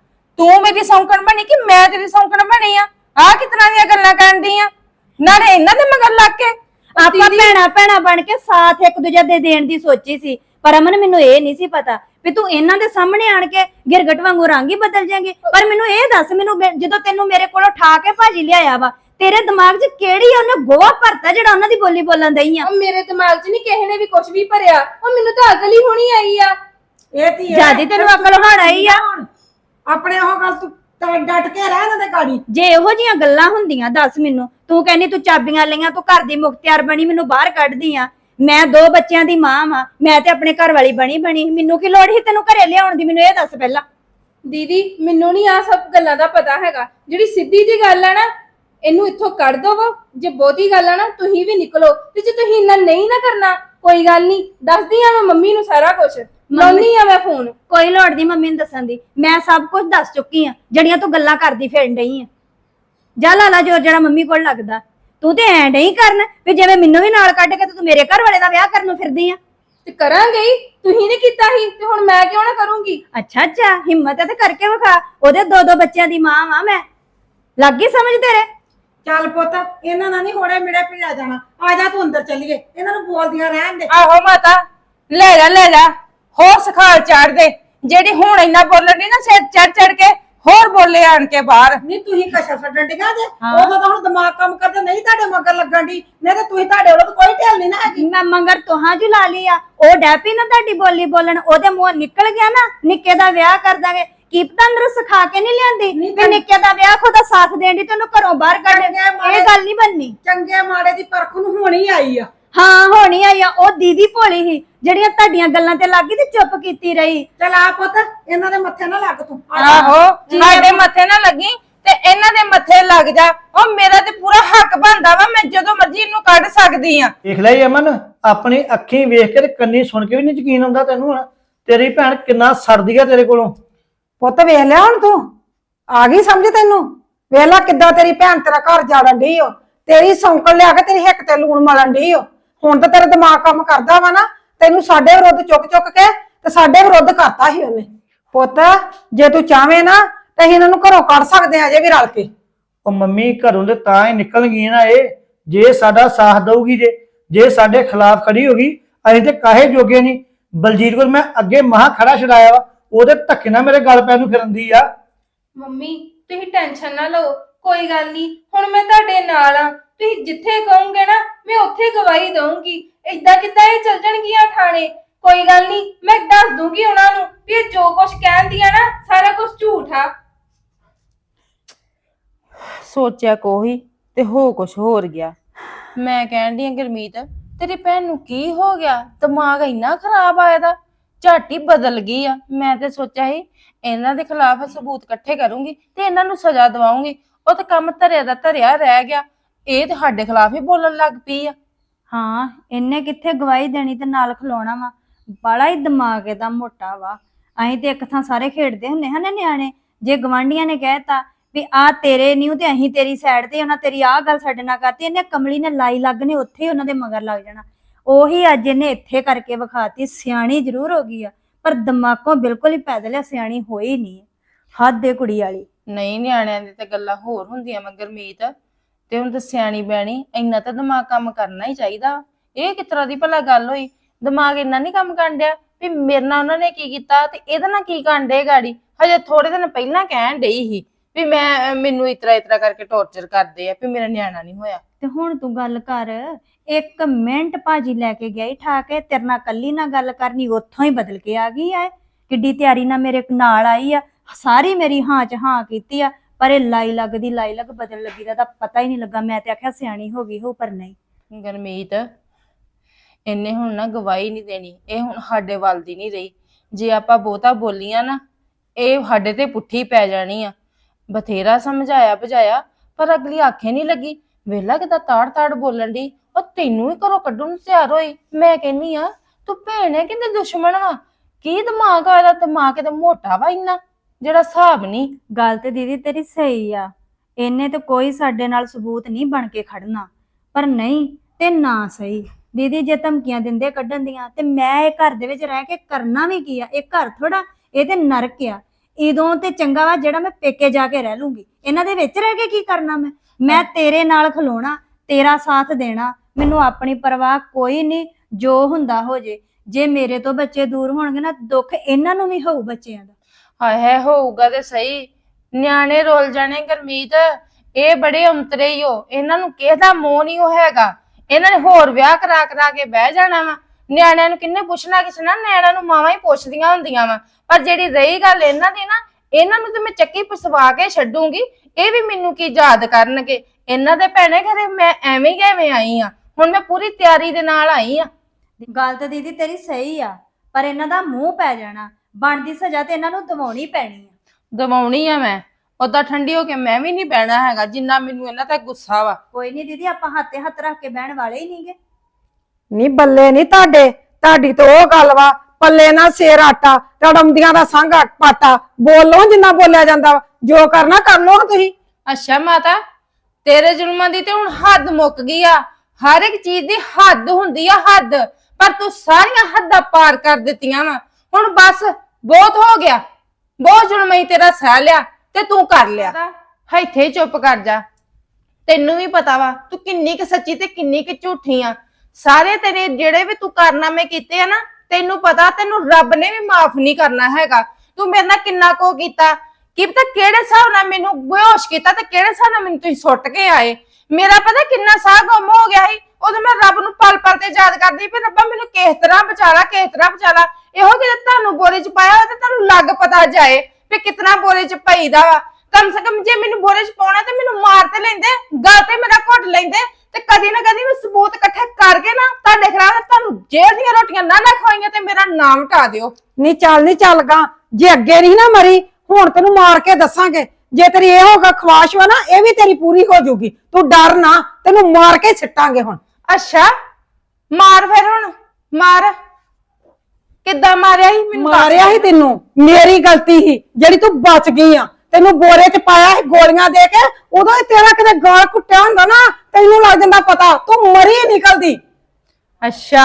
S3: ਤੂੰ ਮੇਰੀ ਸੌਂਕਣ ਬਣੀ ਕਿ ਮੈਂ ਤੇਰੀ ਸੌਂਕਣ ਬਣੀ ਆ? ਆ ਕਿਤਨਾ ਦੀਆਂ ਗੱਲਾਂ ਕਰਨ ਦੀ ਆ ਨਾਲੇ ਇਹਨਾਂ ਦੇ ਮਗਰ ਲੱਗ ਕੇ।
S2: ਆਪਾਂ ਭੈਣਾ ਬਣ ਕੇ ਸਾਥ ਇੱਕ ਦੂਜੇ ਦੇ ਦੇਣ ਦੀ ਸੋਚੀ ਸੀ ਪਰ ਅਮਨ ਮੈਨੂੰ ਇਹ ਨਹੀਂ ਸੀ ਪਤਾ ਵੀ ਤੂੰ ਇਹਨਾਂ ਦੇ ਸਾਹਮਣੇ ਆਣ ਕੇ ਗਿਰਗਟ ਵਾਂਗੂ ਰੰਗ ਹੀ ਬਦਲ ਜਾਏਂਗੀ। ਪਰ ਮੈਨੂੰ ਇਹ ਦੱਸ ਮੈਨੂੰ ਜਦੋਂ ਤੈਨੂੰ ਮੇਰੇ ਕੋਲੋਂ ਠਾ ਕੇ ਭਾਜੀ ਲਿਆਇਆ ਵਾ ਤੇਰੇ ਦਿਮਾਗ 'ਚ ਕਿਹੜੀ ਉਹਨੇ ਗੋਹਾ ਭਰਤਾ ਜਿਹੜਾ ਉਹਨਾਂ ਦੀ ਬੋਲੀ ਬੋਲਣ ਦਈ ਆ?
S1: ਉਹ ਮੇਰੇ ਦਿਮਾਗ 'ਚ ਨਹੀਂ ਕਿਸੇ ਨੇ ਵੀ ਕੁਝ ਵੀ ਭਰਿਆ। ਉਹ ਮੈਨੂੰ ਤਾਂ ਅਕਲ ਹੀ ਹੋਣੀ ਆਈ ਆ।
S4: ਇਹ ਧੀਏ
S2: ਜਿਆਦੀ ਤੈਨੂੰ ਅਕਲ ਹੁਣ ਆਈ ਆ।
S4: ਆਪਣੇ ਉਹ ਗੱਲ ਤੂੰ ਡਟ ਕੇ ਰਹਿ ਇਹਨਾਂ ਦੇ ਗਾੜੀ।
S2: ਜੇ ਇਹੋ ਜੀਆਂ ਗੱਲਾਂ ਹੁੰਦੀਆਂ ਦੱਸ ਮੈਨੂੰ ਤੂੰ ਕਹਿੰਦੀ ਤੂੰ ਚਾਬੀਆਂ ਲਈਆਂ ਤੂੰ ਘਰ ਦੀ ਮੁਖਤਿਆਰ ਬਣੀ ਮੈਨੂੰ ਬਾਹਰ ਕੱਢਦੀ ਆ। ਮੈਂ 2 ਬੱਚਿਆਂ ਦੀ ਮਾਂ ਵਾਂ ਮੈਂ ਤੇ ਆਪਣੇ ਘਰ ਵਾਲੀ ਬਣੀ ਮੈਨੂੰ ਕੀ ਲੋੜ ਸੀ ਤੈਨੂੰ ਘਰੇ ਲਿਆਉਣ ਦੀ? ਮੈਨੂੰ ਇਹ ਦੱਸ ਪਹਿਲਾਂ।
S1: ਦੀਦੀ ਮੈਨੂੰ ਨਹੀਂ ਆ ਸਭ ਗੱਲਾਂ ਦਾ ਪਤਾ ਹੈਗਾ। ਜਿਹੜੀ ਸਿੱਧੀ ਜੀ ਗੱਲ ਆ ਨਾ, ਇਹਨੂੰ ਇੱਥੋਂ ਕੱਢ ਦਵੋ। ਜੇ ਬਹੁਤੀ ਗੱਲ ਆ ਨਾ, ਤੁਸੀਂ ਵੀ ਨਿਕਲੋ। ਤੇ ਜੇ ਤੁਸੀਂ ਇੰਨਾ ਨਹੀਂ ਨਾ ਕਰਨਾ, ਕੋਈ ਗੱਲ ਨਹੀਂ, ਦੱਸਦੀ ਆ ਮੈਂ ਮੰਮੀ ਨੂੰ ਸਾਰਾ ਕੁਝ। ਲਾਉਣੀ ਆ ਮੈਂ ਫੋਨ।
S2: ਕੋਈ ਲੋੜ ਨਹੀਂ ਮੰਮੀ ਨੂੰ ਦੱਸਣ ਦੀ, ਮੈਂ ਸਭ ਕੁਝ ਦੱਸ ਚੁੱਕੀ ਆ ਜਿਹੜੀਆਂ ਤੂੰ ਗੱਲਾਂ ਕਰਦੀ ਫਿਰਨ ਡਈ ਆ। ਜਾ ਲਾਲਾ ਜੋ ਜਿਹੜਾ ਮੰਮੀ ਕੋਲ ਲੱਗਦਾ। ਤੂੰ ਤੇ ਐ ਨਹੀਂ ਕਰਨ ਵੀ ਜਿਵੇਂ ਮੈਨੂੰ ਵੀ ਨਾਲ ਕੱਢ ਕੇ ਤੂੰ ਮੇਰੇ ਘਰ ਵਾਲੇ ਦਾ ਵਿਆਹ ਕਰਨ ਨੂੰ ਫਿਰਦੀ ਆ।
S1: ਤੇ ਕਰਾਂਗੇ ਹੀ, ਤੁਸੀਂ ਨੇ ਕੀਤਾ ਸੀ ਤੇ ਹੁਣ ਮੈਂ ਕਿਉਂ ਨਾ ਕਰੂੰਗੀ?
S2: ਅੱਛਾ ਅੱਛਾ, ਹਿੰਮਤ ਹੈ ਤੇ ਕਰਕੇ ਵਿਖਾ। ਉਹਦੇ ਦੋ ਦੋ ਬੱਚਿਆਂ ਦੀ ਮਾਂ ਵਾਂ ਮੈਂ, ਲੱਗ ਗਈ ਸਮਝ ਤੇਰੇ?
S4: ਚੱਲ ਪੁੱਤ, ਇਹਨਾਂ ਨਾਲ ਨਹੀਂ ਹੋੜੇ ਮਿਲੇ ਪਿਆ ਜਾਣਾ। ਆ ਜਾ ਤੂੰ ਅੰਦਰ ਚੱਲੀਏ, ਇਹਨਾਂ ਨੂੰ ਬੋਲਦੀਆਂ ਰਹਿਣ ਦੇ।
S3: ਆਹੋ ਮਾਤਾ, ਲੈ ਜਾ ਹੋਰ ਸਖਾਲ ਚਾੜ ਦੇ। ਜਿਹੜੀ ਹੁਣ ਇੰਨਾ ਬੋਲਣ ਦੀ ਨਾ, ਸਿਰ ਚੜ ਚੜ ਕੇ ਹੋਰ ਬੋਲੇ ਆਣ ਕੇ ਬਾਹਰ।
S4: ਨਹੀਂ ਤੁਸੀਂ ਕਸ਼ਾ ਛੱਡਣ ਡੀਆਂ ਜੇ, ਉਦੋਂ ਤਾਂ ਹੁਣ ਦਿਮਾਗ ਕੰਮ ਕਰਦੇ, ਨਹੀਂ ਤੁਹਾਡੇ ਮਗਰ ਲੱਗਣ ਦੀ। ਨਹੀਂ ਤਾਂ ਤੁਸੀਂ ਤੁਹਾਡੇ ਵੱਲੋਂ ਕੋਈ ਢਿੱਲ ਨਹੀਂ ਨਾ ਹੈਗੀ।
S2: ਮੈਂ ਮੰਗਰ ਤੋਹਾਂ ਜੂ ਲਾ ਲਈ ਆ। ਉਹ ਡੈਪੀ ਨਾ ਤੁਹਾਡੀ ਬੋਲੀ ਬੋਲਣ, ਉਹਦੇ ਮੂੰਹ ਨਿਕਲ ਗਿਆ ਨਾ ਨਿੱਕੇ ਦਾ ਵਿਆਹ ਕਰ ਦਾਂਗੇ। ਕੀ ਪਤਾ ਅੰਦਰ ਸਿਖਾ ਕੇ ਨਹੀਂ ਲਿਆਂਦੀ ਵੀ ਨਿੱਕੇ ਦਾ ਵਿਆਹ ਖੁਦਾ ਸਾਥ ਦੇਣ ਦੀ, ਤੈਨੂੰ ਘਰੋਂ ਬਾਹਰ ਕੱਢ। ਇਹ ਗੱਲ ਨਹੀਂ ਬਣਨੀ।
S4: ਚੰਗੇ ਮਾੜੇ ਦੀ ਪਰਖ ਨੂੰ ਹੋਣੀ ਆਈ ਆ।
S2: ਹਾਂ ਹੋਣੀ ਆਈ ਆ। ਉਹ ਦੀਦੀ ਭੋਲੀ ਸੀ ਜਿਹੜੀਆਂ ਤੁਹਾਡੀਆਂ ਗੱਲਾਂ ਤੇ ਲੱਗ ਗਈ ਤੇ ਚੁੱਪ ਕੀਤੀ ਰਹੀ।
S4: ਚੱਲ ਆ ਪੁੱਤ, ਇਹਨਾਂ ਦੇ ਮੱਥੇ ਨਾ ਲੱਗ ਤੂੰ।
S3: ਆਹੋ, ਸਾਡੇ ਮੱਥੇ ਨਾ ਲੱਗੀ ਤੇ ਇਹਨਾਂ ਦੇ ਮੱਥੇ ਲੱਗ ਜਾ। ਉਹ ਮੇਰਾ ਤੇ ਪੂਰਾ ਹੱਕ ਬਣਦਾ ਵਾ, ਮੈਂ ਜਦੋਂ ਮਰਜ਼ੀ ਇਹਨੂੰ ਕੱਢ ਸਕਦੀ ਆ।
S5: ਦੇਖ ਲੈ ਅਮਨ, ਆਪਣੀ ਅੱਖੀਂ ਵੇਖ ਕੇ ਤੇ ਕੰਨੀ ਸੁਣ ਕੇ ਵੀ ਨਹੀਂ ਯਕੀਨ ਆਉਂਦਾ ਤੈਨੂੰ। ਹੁਣ ਤੇਰੀ ਭੈਣ ਕਿੰਨਾ ਸੜਦੀ ਆ ਤੇਰੇ ਕੋਲੋਂ।
S4: ਪੁੱਤ ਵੇਖ ਲਿਆ ਹੁਣ ਤੂੰ, ਆ ਗਈ ਸਮਝ ਤੈਨੂੰ? ਵੇਖ ਲੈ ਕਿੱਦਾਂ ਤੇਰੀ ਭੈਣ ਤੇਰਾ ਘਰ ਜਾੜਨ ਡਈ ਓ, ਤੇਰੀ ਸੌਂਕਣ ਲਿਆ ਕੇ ਤੇਰੀ ਹਿੱਕ ਤੇ ਲੂਣ ਮਲਣ ਡਈ ਓ। ਹੁਣ ਤਾਂ ਤੇਰਾ ਦਿਮਾਗ ਕੰਮ ਕਰਦਾ ਵਾ ਨਾ। ਤੈਨੂੰ ਸਾਡੇ ਵਿਰੁੱਧ ਚੁੱਕ ਚੁੱਕ ਕੇ ਤੇ ਸਾਡੇ ਵਿਰੁੱਧ ਕਰਤਾ ਸੀ ਉਹਨੇ। ਪੁੱਤ ਜੇ ਤੂੰ ਚਾਹਵੇਂ ਨਾ ਤੇ ਅਸੀਂ ਇਹਨਾਂ ਨੂੰ ਘਰੋਂ ਕੱਢ ਸਕਦੇ ਆ ਜੇ ਵੀ ਰਲ ਕੇ।
S5: ਉਹ ਮੰਮੀ ਘਰੋਂ ਦੇ ਤਾਂ ਹੀ ਨਿਕਲ ਗਈ ਨਾ ਇਹ, ਜੇ ਸਾਡਾ ਸਾਥ ਦਊਗੀ। ਜੇ ਸਾਡੇ ਖਿਲਾਫ ਖੜੀ ਹੋਗੀ, ਅਸੀਂ ਤੇ ਕਾਹੇ ਜੋਗੇ ਨਹੀਂ। ਬਲਜੀਤ ਕੋਲ ਮੈਂ ਅੱਗੇ ਮਹਾ ਖੜਾ ਛਡਾਇਆ ਵਾ, ਉਹਦੇ ਧੱਕੇ ਨਾਲ ਮੇਰੇ ਗਲ ਪੈਰ ਨੂੰ ਫਿਰਨਦੀ ਆ।
S1: ਮੰਮੀ ਤੁਸੀਂ ਟੈਨਸ਼ਨ ਨਾ ਲਓ, ਕੋਈ ਗੱਲ ਨਹੀਂ, ਹੁਣ ਮੈਂ ਤੁਹਾਡੇ ਨਾਲ ਆ। ਤੁਸੀਂ ਜਿੱਥੇ ਕਹੋਗੇ ਨਾ, ਮੈਂ ਉੱਥੇ ਗਵਾਹੀ ਦਊਂਗੀ। ਏਦਾਂ ਕਿੱਦਾਂ ਇਹ ਚੱਲ ਜਾਣਗੀਆਂ ਥਾਣੇ? ਕੋਈ ਗੱਲ ਨਹੀਂ, ਮੈਂ ਦੱਸ ਦੂੰਗੀ ਉਹਨਾਂ ਨੂੰ ਵੀ ਇਹ ਜੋ ਕੁਝ ਕਹਿੰਦੀ ਆ ਨਾ, ਸਾਰਾ ਕੁਝ ਝੂਠ ਆ।
S3: ਸੋਚਿਆ ਕੋਈ ਤੇ ਹੋ ਕੁਛ ਹੋਰ ਗਿਆ। ਮੈਂ ਕਹਿਣ ਦੀ ਆ ਗੁਰਮੀਤ, ਤੇਰੀ ਭੈਣ ਨੂੰ ਕੀ ਹੋ ਗਿਆ? ਦਿਮਾਗ ਇੰਨਾ ਖਰਾਬ ਆਇਆ ਦਾ, ਝੱਟ ਹੀ ਬਦਲ ਗਈ ਆ। ਮੈਂ ਤੇ ਸੋਚਿਆ ਸੀ ਇਹਨਾਂ ਦੇ ਖਿਲਾਫ ਸਬੂਤ ਇਕੱਠੇ ਕਰੂੰਗੀ ਤੇ ਇਹਨਾਂ ਨੂੰ ਸਜ਼ਾ ਦਿਵਾਉਂਗੀ। ਉਹ ਤਾਂ ਕੰਮ ਧਰਿਆ ਦਾ ਧਰਿਆ ਰਹਿ ਗਿਆ। ਇਹ ਤੇ ਸਾਡੇ ਖਿਲਾਫ ਹੀ ਬੋਲਣ ਲੱਗ ਪਈ ਆ।
S2: ਹਾਂ, ਇਹਨੇ ਕਿੱਥੇ ਗਵਾਹੀ ਦੇਣੀ ਤੇ ਨਾਲ ਖਲੋਣਾ ਵਾ। ਬੜਾ ਹੀ ਦਿਮਾਗ ਇਹਦਾ ਮੋਟਾ ਵਾ। ਅਸੀਂ ਤੇ ਇੱਕ ਥਾਂ ਸਾਰੇ ਖੇਡਦੇ ਹੁੰਨੇ ਹਨ ਨਿਆਣੇ। ਜੇ ਗਵਾਂਢੀਆਂ ਨੇ ਕਹਿਤਾ ਵੀ ਆ ਤੇਰੇ ਨਿਊ ਤੇ ਅਸੀਂ ਤੇਰੀ ਸਾਈਡ ਤੇ, ਉਹਨਾਂ ਤੇਰੀ ਆਹ ਗੱਲ ਸਾਡੇ ਨਾਲ ਕਰਤੀ, ਇਹਨੇ ਕਮਲੀ ਨੇ ਲਾਈ ਲੱਗ ਨੇ ਉੱਥੇ ਹੀ ਉਹਨਾਂ ਦੇ ਮਗਰ ਲੱਗ ਜਾਣਾ। ਉਹੀ ਅੱਜ ਇਹਨੇ ਇੱਥੇ ਕਰਕੇ ਵਿਖਾਤੀ। ਸਿਆਣੀ ਜ਼ਰੂਰ ਹੋ ਗਈ ਆ, ਪਰ ਦਿਮਾਗੋਂ ਬਿਲਕੁਲ ਹੀ ਪੈਦਲ ਆ, ਸਿਆਣੀ ਹੋਈ ਨਹੀਂ। ਹੱਦ ਏ ਕੁੜੀ ਵਾਲੀ।
S3: ਨਹੀਂ, ਨਿਆਣਿਆਂ ਦੀ ਤੇ ਗੱਲਾਂ ਹੋਰ ਹੁੰਦੀਆਂ ਵਾ ਗੁਰਮੀਤ। ਤੇ ਹੁਣ ਤਾਂ ਸਿਆਣੀ ਬੈਣੀ, ਇੰਨਾ ਤਾਂ ਦਿਮਾਗ ਕੰਮ ਕਰਨਾ ਹੀ ਚਾਹੀਦਾ। ਇਹ ਕਿਸ ਤਰ੍ਹਾਂ ਦੀ ਭਲਾ ਗੱਲ ਹੋਈ? ਦਿਮਾਗ ਇੰਨਾ ਨਹੀਂ ਕੰਮ ਕਰਨ ਡਿਆ ਵੀ ਮੇਰੇ ਨਾਲ ਉਹਨਾਂ ਨੇ ਕੀ ਕੀਤਾ ਤੇ ਇਹਦੇ ਨਾਲ ਕੀ ਕਰਨ ਡੇ ਗਾੜੀ। ਹਜੇ ਥੋੜੇ ਦਿਨ ਪਹਿਲਾਂ ਕਹਿਣ ਡਈ ਸੀ ਵੀ ਮੈਨੂੰ ਇਤਰਾ ਕਰਕੇ ਟੌਰਚਰ ਕਰਦੇ ਆ ਵੀ ਮੇਰਾ ਨਿਆਣਾ ਨਹੀਂ ਹੋਇਆ।
S2: ਤੇ ਹੁਣ ਤੂੰ ਗੱਲ ਕਰ। 1 ਮਿੰਟ ਭਾਜੀ ਲੈ ਕੇ ਗਿਆ ਠਾ ਕੇ, ਤੇਰੇ ਨਾਲ ਕੱਲੀ ਨਾਲ ਗੱਲ ਕਰਨੀ, ਉੱਥੋਂ ਹੀ ਬਦਲ ਕੇ ਆ ਗਈ ਐ। ਕਿੱਡੀ ਤਿਆਰੀ ਨਾਲ ਮੇਰੇ ਨਾਲ ਆਈ ਆ, ਸਾਰੀ ਮੇਰੀ ਹਾਂ ਚ ਹਾਂ ਕੀਤੀ ਆ, ਪਰ ਇਹ ਲਾਈ ਲੱਗ ਬਦਲ ਲੱਗੀ ਦਾ ਪਤਾ ਹੀ ਨਹੀਂ ਲੱਗਾ। ਮੈਂ ਤੇ ਆਖਿਆ ਸਿਆਣੀ ਹੋ ਗਈ ਹੋ, ਪਰ ਨਹੀਂ।
S3: ਗੁਰਮੀਤ, ਇਹਨੇ ਹੁਣ ਨਾ ਗਵਾਹੀ ਨਹੀਂ ਦੇਣੀ। ਇਹ ਹੁਣ ਸਾਡੇ ਵੱਲ ਦੀ ਨਹੀਂ ਰਹੀ। ਜੇ ਆਪਾਂ ਬਹੁਤਾ ਬੋਲੀਆਂ ਨਾ, ਇਹ ਸਾਡੇ ਤੇ ਪੁੱਠੀ ਪੈ ਜਾਣੀ ਆ। ਬਥੇਰਾ ਸਮਝਾਇਆ ਬੁਝਾਇਆ, ਪਰ ਅਗਲੀ ਆਖੇ ਨਹੀਂ ਲੱਗੀ। ਵੇਲਾ ਕਿਦਾਂ ਤਾੜ ਬੋਲਣ ਦੀ। ਉਹ ਤੈਨੂੰ ਹੀ ਘਰੋਂ ਕੱਢਣ ਨੂੰ ਤਿਆਰ ਹੋਈ। ਮੈਂ ਕਹਿੰਨੀ ਆ ਤੂੰ ਭੈਣ ਹੈ ਕਿਤੇ ਦੁਸ਼ਮਣ ਵਾ? ਕੀ ਦਿਮਾਗ ਆ ਇਹਦਾ? ਦਿਮਾਗ ਤੇ ਮੋਟਾ ਵਾ ਇੰਨਾ ਜਿਹੜਾ ਹਿਸਾਬ ਨਹੀਂ।
S2: ਗੱਲ ਤੇ ਦੀਦੀ ਤੇਰੀ ਸਹੀ ਆ, ਇਹਨੇ ਤੇ ਕੋਈ ਸਾਡੇ ਨਾਲ ਸਬੂਤ ਨਹੀਂ ਬਣ ਕੇ ਖੜਨਾ। ਪਰ ਨਹੀਂ ਤੇ ਨਾ ਸਹੀ ਦੀਦੀ, ਜੇ ਧਮਕੀਆਂ ਦਿੰਦੇ ਕੱਢਣ ਦੀਆਂ, ਤੇ ਮੈਂ ਇਹ ਘਰ ਦੇ ਵਿੱਚ ਰਹਿ ਕੇ ਕਰਨਾ ਵੀ ਕੀ ਆ? ਇਹ ਘਰ ਥੋੜਾ, ਇਹ ਤੇ ਨਰਕ ਆ। ਇਦੋਂ ਤੇ ਚੰਗਾ ਵਾ ਜਿਹੜਾ ਮੈਂ ਪੇਕੇ ਜਾ ਕੇ ਰਹਿ ਲੂੰਗੀ। ਇਹਨਾਂ ਦੇ ਵਿੱਚ ਰਹਿ ਕੇ ਕੀ ਕਰਨਾ? ਮੈਂ ਤੇਰੇ ਨਾਲ ਖਲੋਣਾ, ਤੇਰਾ ਸਾਥ ਦੇਣਾ। ਮੈਨੂੰ ਆਪਣੀ ਪਰਵਾਹ ਕੋਈ ਨਹੀਂ, ਜੋ ਹੁੰਦਾ ਹੋ ਜੇ। ਜੇ ਮੇਰੇ ਤੋਂ ਬੱਚੇ ਦੂਰ ਹੋਣਗੇ ਨਾ, ਦੁੱਖ ਇਹਨਾਂ ਨੂੰ ਵੀ ਹੋਊ ਬੱਚਿਆਂ ਦਾ।
S3: ਹਾਏ ਹੋਊਗਾ ਤੇ ਸਹੀ, ਨਿਆਣੇ ਰੋਲ ਜਾਣੇ ਗੁਰਮੀਤ। ਇਹ ਬੜੇ ਅੰਤਰੇ ਹੀ ਹੋ, ਇਹਨਾਂ ਨੂੰ ਕਿਸੇ ਦਾ ਮੋਹ ਨਹੀਂ ਉਹ ਹੈਗਾ। ਇਹਨਾਂ ਨੇ ਹੋਰ ਵਿਆਹ ਕਰਾ ਕੇ ਬਹਿ ਜਾਣਾ ਵਾ। ਨਿਆਣਿਆਂ ਨੂੰ ਕਿੰਨੇ ਪੁੱਛਣਾ? ਕਿਸੇ ਨਾਲ ਨਿਆਣਿਆਂ ਨੂੰ ਮਾਵਾਂ ਹੀ ਪੁੱਛਦੀਆਂ ਹੁੰਦੀਆਂ ਵਾ। ਪਰ ਜਿਹੜੀ ਰਹੀ ਗੱਲ ਇਹਨਾਂ ਦੀ ਨਾ, ਇਹਨਾਂ ਨੂੰ ਤੇ ਮੈਂ ਚੱਕੀ ਪਸਵਾ ਕੇ ਛੱਡੂਗੀ। ਇਹ ਵੀ ਮੈਨੂੰ ਕੀ ਯਾਦ ਕਰਨਗੇ? ਇਹਨਾਂ ਦੇ ਭੈਣੇ ਘਰੇ ਮੈਂ ਐਵੇਂ ਹੀ ਆਈ ਆ। ਹੁਣ ਮੈਂ ਪੂਰੀ ਤਿਆਰੀ ਦੇ ਨਾਲ ਆਈ ਆ।
S2: ਗੱਲ ਤਾਂ ਦੀਦੀ ਤੇਰੀ ਸਹੀ ਆ, ਪਰ ਇਹਨਾਂ ਦਾ ਮੂੰਹ ਪੈ ਜਾਣਾ। ਬਣਦੀ ਸਜ਼ਾ ਤੇ ਇਹਨਾਂ ਨੂੰ ਦਿਵਾਉਣੀ ਪੈਣੀ ਆ।
S3: ਦਵਾਉਣੀ ਆ ਮੈਂ ਉਦਾਂ ਠੰਡੀ ਹੋ ਕੇ ਮੈਂ ਵੀ ਨਹੀਂ ਬਹਿਣਾ ਹੈਗਾ ਜਿੰਨਾ ਮੈਨੂੰ ਇਹਨਾਂ ਤੇ ਗੁੱਸਾ ਵਾ।
S2: ਕੋਈ ਨਹੀਂ ਦੀਦੀ, ਆਪਾਂ ਹੱਥੇ ਹੱਥ ਰੱਖ ਕੇ ਬਹਿਣ ਵਾਲੇ ਹੀ ਨਹੀਂਗੇ।
S4: ਨਹੀਂ ਬੱਲੇ ਨਹੀਂ ਤੁਹਾਡੀ ਤਾਂ ਉਹ ਗੱਲ ਵਾ, ਪੱਲੇ ਨਾ ਸੇਰ ਆਟਾ ਰੜਮਦੀਆਂ ਦਾ ਸੰਗ ਪਾਟਾ। ਬੋਲੋ ਜਿੰਨਾ ਬੋਲਿਆ ਜਾਂਦਾ ਵਾ, ਜੋ ਕਰਨਾ ਕਰ ਲੋ ਤੁਸੀਂ।
S3: ਅੱਛਾ ਮਾਤਾ, ਤੇਰੇ ਜ਼ੁਲਮਾਂ ਦੀ ਤੇ ਹੁਣ ਹੱਦ ਮੁੱਕ ਗਈ ਆ। ਹਰ ਇੱਕ ਚੀਜ਼ ਦੀ ਹੱਦ ਹੁੰਦੀ ਆ, ਹੱਦ। ਪਰ ਤੂੰ ਸਾਰੀਆਂ ਹੱਦਾਂ ਪਾਰ ਕਰ ਦਿੱਤੀਆਂ ਵਾ। ਹੁਣ ਬਸ ਬਹੁਤ ਹੋ ਗਿਆ, ਬਹੁਤ ਜ਼ੁਲਮ ਹੀ ਤੇਰਾ ਸਹਿ ਲਿਆ ਤੇ ਤੂੰ ਕਰ ਲਿਆ। ਇੱਥੇ ਚੁੱਪ ਕਰ ਜਾ। ਤੈਨੂੰ ਵੀ ਪਤਾ ਵਾ ਤੂੰ ਕਿੰਨੀ ਕੁ ਸੱਚੀ ਤੇ ਕਿੰਨੀ ਕੁ ਝੂਠੀ ਆ। ਸਾਰੇ ਤੇਰੇ ਜਿਹੜੇ ਵੀ ਤੂੰ ਕਾਰਨਾਮੇ ਕੀਤੇ ਆ ਨਾ, ਤੈਨੂੰ ਪਤਾ ਤੈਨੂੰ ਰੱਬ ਨੇ ਵੀ ਮਾਫ ਨਹੀਂ ਕਰਨਾ ਹੈਗਾ। ਤੂੰ ਮੇਰੇ ਨਾਲ ਕਿੰਨਾ ਕੋ ਕੀਤਾ, ਕੀ ਪਤਾ ਕਿਹੜੇ ਹਿਸਾਬ ਨਾਲ ਮੈਨੂੰ ਬੇਹੋਸ਼ ਕੀਤਾ ਤੇ ਕਿਹੜੇ ਹਿਸਾਬ ਨਾਲ ਮੈਨੂੰ ਤੁਸੀਂ ਸੁੱਟ ਕੇ ਆਏ। ਮੇਰਾ ਪਤਾ ਕਿੰਨਾ ਸਾਹ ਗੁੰਮ ਹੋ ਗਿਆ ਸੀ। ਉਦੋਂ ਮੈਂ ਰੱਬ ਨੂੰ ਪਲ ਪਲ ਤੇ ਯਾਦ ਕਰਦੀ ਵੀ ਰੱਬਾ ਮੈਨੂੰ ਕਿਸ ਤਰ੍ਹਾਂ ਬਚਾ ਲਾ, ਕਿਸ ਤਰ੍ਹਾਂ ਬਚਾ ਲਾ। ਇਹੋ ਕਿ ਤੁਹਾਨੂੰ ਬੋਰੇ ਚ ਪਾਇਆ ਤੇ ਤੁਹਾਨੂੰ ਲੱਗ ਪਤਾ ਜਾਏ ਵੀ ਕਿਤਨਾ ਬੋਰੇ ਚ ਪਈਦਾ ਵਾ। ਕਮ ਸੇ ਕਮ ਜੇ ਮੈਨੂੰ ਬੋਰੇ ਚ ਪਾਉਣਾ ਤੇ ਮੈਨੂੰ ਮਾਰ ਤੇ ਲੈਂਦੇ, ਗਲ ਤੇ ਮੇਰਾ ਘੁੱਟ ਲੈਂਦੇ ਤੇ ਕਦੀ ਨਾ ਕਦੀ ਮੈਂ ਸਬੂਤ ਇਕੱਠੇ ਕਰਕੇ ਨਾ ਤੁਹਾਡੇ ਖਿਲਾਫ ਤੁਹਾਨੂੰ ਜੇਲ੍ਹ ਦੀਆਂ ਰੋਟੀਆਂ ਨਾ ਖਵਾਈਆਂ ਤੇ ਮੇਰਾ ਨਾਮ ਹਟਾ ਦਿਓ।
S4: ਨਹੀਂ ਚੱਲ ਗਾ, ਜੇ ਅੱਗੇ ਨਹੀਂ ਨਾ ਮਰੀ ਹੁਣ ਤੈਨੂੰ ਮਾਰ ਕੇ ਦੱਸਾਂਗੇ। ਜੇ ਤੇਰੀ ਇਹ ਹੋਗਾ ਖਵਾਸ਼ ਵਾ ਨਾ, ਇਹ ਵੀ ਤੇਰੀ ਪੂਰੀ ਹੋ ਜਾਊਗੀ। ਤੂੰ ਡਰ ਨਾ, ਤੈਨੂੰ ਮਾਰ ਕੇ ਸਿੱਟਾਂਗੇ ਹੁਣ।
S3: ਅੱਛਾ ਮਾਰ ਫਿਰ, ਹੁਣ ਮਾਰ। ਕਿੱਦਾਂ ਮਾਰਿਆ ਸੀ ਮੈਨੂੰ ਦੱਸ।
S4: ਮਾਰਿਆ ਹੀ ਤੈਨੂੰ, ਮੇਰੀ ਗਲਤੀ ਸੀ ਜਿਹੜੀ ਤੂੰ ਬਚ ਗਈ ਆ। ਤੈਨੂੰ ਬੋਰੇ ਚ ਪਾਇਆ ਸੀ ਗੋਲੀਆਂ ਦੇ ਕੇ, ਉਦੋਂ ਹੀ ਤੇਰਾ ਕਿਤੇ ਗਾਲ ਕੁੱਟਿਆ ਹੁੰਦਾ ਨਾ, ਤੈਨੂੰ ਲੱਗ ਜਾਂਦਾ ਪਤਾ। ਤੂੰ ਮਰੀ ਨਿਕਲਦੀ।
S3: ਅੱਛਾ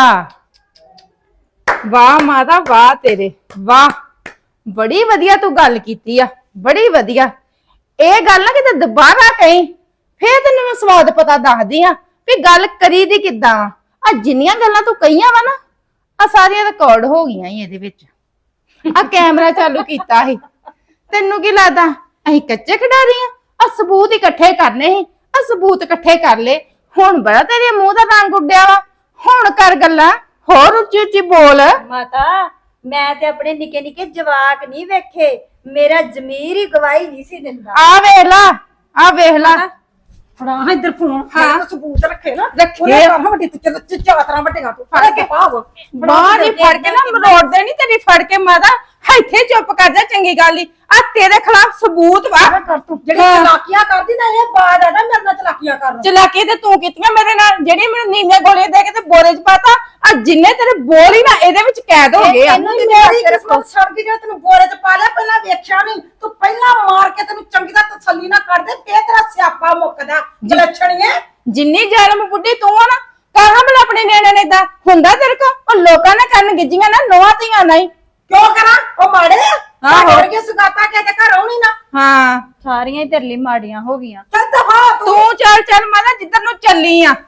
S3: ਵਾਹ ਮਾਤਾ, ਵਾਹ ਤੇਰੇ, ਵਾਹ। ਬੜੀ ਵਧੀਆ ਤੂੰ ਗੱਲ ਕੀਤੀ ਆ, ਬੜੀ ਵਧੀਆ। ਇਹ ਗੱਲ ਨਾ ਕਿਤੇ ਦੁਬਾਰਾ ਕਹੀਂ, ਫੇਰ ਤੈਨੂੰ ਮੈਂ ਸਵਾਦ ਪਤਾ ਦੱਸਦੀ ਆ ਵੀ ਗੱਲ ਕਰੀ ਦੀ ਕਿੱਦਾਂ ਵਾ। ਆ ਜਿੰਨੀਆਂ ਗੱਲਾਂ ਤੂੰ ਕਹੀਆਂ ਵਾ ਨਾ, ਆ ਸਾਰੀਆਂ ਰਿਕਾਰਡ ਹੋ ਗਈਆਂ ਈ ਇਹਦੇ ਵਿੱਚ। ਆ ਕੈਮਰਾ ਚਾਲੂ ਕੀਤਾ ਸੀ। ਤੈਨੂੰ ਕੀ ਲੱਗਦਾ ਅਸੀਂ ਕੱਚੇ ਖਿਡਾਰੀ ਆ? ਆ ਸਬੂਤ ਇਕੱਠੇ ਕਰਨੇ ਸੀ, ਆ ਸਬੂਤ ਇਕੱਠੇ ਕਰ ਲੈ। ਹੁਣ ਬੜਾ ਤੇਰੇ ਮੂੰਹ ਦਾ ਰੰਗ ਉੱਡਿਆ ਵਾ, ਹੁਣ ਕਰ ਗੱਲਾਂ, ਹੋਰ ਉੱਚੀ ਉੱਚੀ ਬੋਲ।
S2: ਮਾਤਾ, ਮੈਂ ਤੇ ਆਪਣੇ ਨਿੱਕੇ ਨਿੱਕੇ ਜਵਾਕ ਨਹੀਂ ਵੇਖੇ, ਮੇਰਾ ਜ਼ਮੀਰ ਹੀ ਗਵਾਹੀ ਨਹੀਂ ਸੀ ਦਿੰਦਾ।
S3: ਆ ਵੇਖ ਲਾ, ਆ ਵੇਖ ਲਾ।
S4: ਫੜਾ ਇੱਧਰ ਫੋਨ।
S3: ਹਾਂ।
S4: ਸਬੂਤ ਰੱਖੇ ਨਾ,
S3: ਰੱਖੇ।
S4: ਉਹਨੇ ਕੰਮ ਵੱਡੀ ਤੇ ਚਾਤਰਾ ਵੱਡੀਆਂ ਤੂੰ ਫੜ ਕੇ ਪਾਵ।
S3: ਬਾਹ ਦੀ ਫੜ ਕੇ ਨਾ ਮਰੋੜ ਦੇਣੀ ਤੇਰੀ, ਫੜ ਕੇ ਮਾਤਾ। ਇੱਥੇ ਚੁੱਪ ਕਰ ਜਾ, ਚੰਗੀ ਗੱਲ ਈ। ਆ ਤੇਰੇ ਖਿਲਾਫ ਸਬੂਤ ਵਾ।
S4: ਜਿਹੜੀ ਚਲਾਕੀਆਂ ਕਰਦੀ ਨਾ, ਇਹ ਬਾਦ ਆ ਨਾ ਮੇਰੇ ਨਾਲ ਚਲਾਕੀਆਂ ਕਰਨ।
S3: ਚਲਾਕੀ ਤੇ ਤੂੰ ਕੀਤੀਆਂ ਮੇਰੇ ਨਾਲ, ਜਿਹੜੀ ਮੈਨੂੰ ਨੀਂਦੀਆਂ ਗੋਲੀਆਂ ਦੇ ਕੇ ਤੇ ਬੋਰੇ 'ਚ ਪਾਤਾ। ਆ ਜਿੰਨੇ ਤੇਰੇ ਬੋਲ ਹੀ ਨਾ ਇਹਦੇ ਵਿੱਚ ਕੈਦ ਹੋ ਗਏ ਆ।
S4: ਮੇਰੀ ਕਿਸਮਤ ਸੜ ਗਈ ਜਿਹੜਾ ਤੈਨੂੰ ਬੋਰੇ 'ਚ ਪਾ ਲਿਆ। ਪਹਿਲਾਂ ਵੇਖਿਆ ਨਹੀਂ ਤੂੰ, ਪਹਿਲਾਂ ਮਾਰ ਕੇ ਤੈਨੂੰ ਚੰਗੀ ਤਰ੍ਹਾਂ ਤਸੱਲੀ ਨਾ ਕਰਦੇ, ਫੇਰ ਤੇਰਾ ਸਿਆਪਾ ਮੁੱਕਦਾ। ਜਲਛਣੀਏ
S3: ਜਿੰਨੀ ਜ਼ਾਲਮ ਬੁੱਢੀ ਤੂੰ ਆ ਨਾ, ਕਹਾਂ ਮੈਂ ਆਪਣੇ ਨਿਆਣੇ ਨੇ ਏਦਾਂ ਹੁੰਦਾ ਤੇਰੇ ਕੋ। ਉਹ ਲੋਕਾਂ ਨੇ ਕਰਨ ਗਿੱਜੀਆਂ ਨਾ, ਨੋਹਾਂ ਧੀਆਂ ਨਹੀਂ।
S4: ਕਿਉਂ ਕਰਾਂ? ਉਹ ਮਾੜੇ ਆ।
S3: ਆਹੋ।
S4: ਹੋਰ ਕੀ ਸੁਗਾਤਾ ਕੇ ਤੇ ਘਰ ਆਉਣੀ ਨਾ।
S3: ਹਾਂ
S2: ਸਾਰੀਆਂ ਹੀ ਤੇਰੇ ਲਈ ਮਾੜੀਆਂ ਹੋ ਗਈਆਂ।
S4: ਚੱਲ ਦਫਾ ਤੂੰ।
S3: ਤੂੰ ਚੱਲ ਮਾਤਾ ਜਿੱਧਰ ਨੂੰ ਚੱਲੀ ਆ।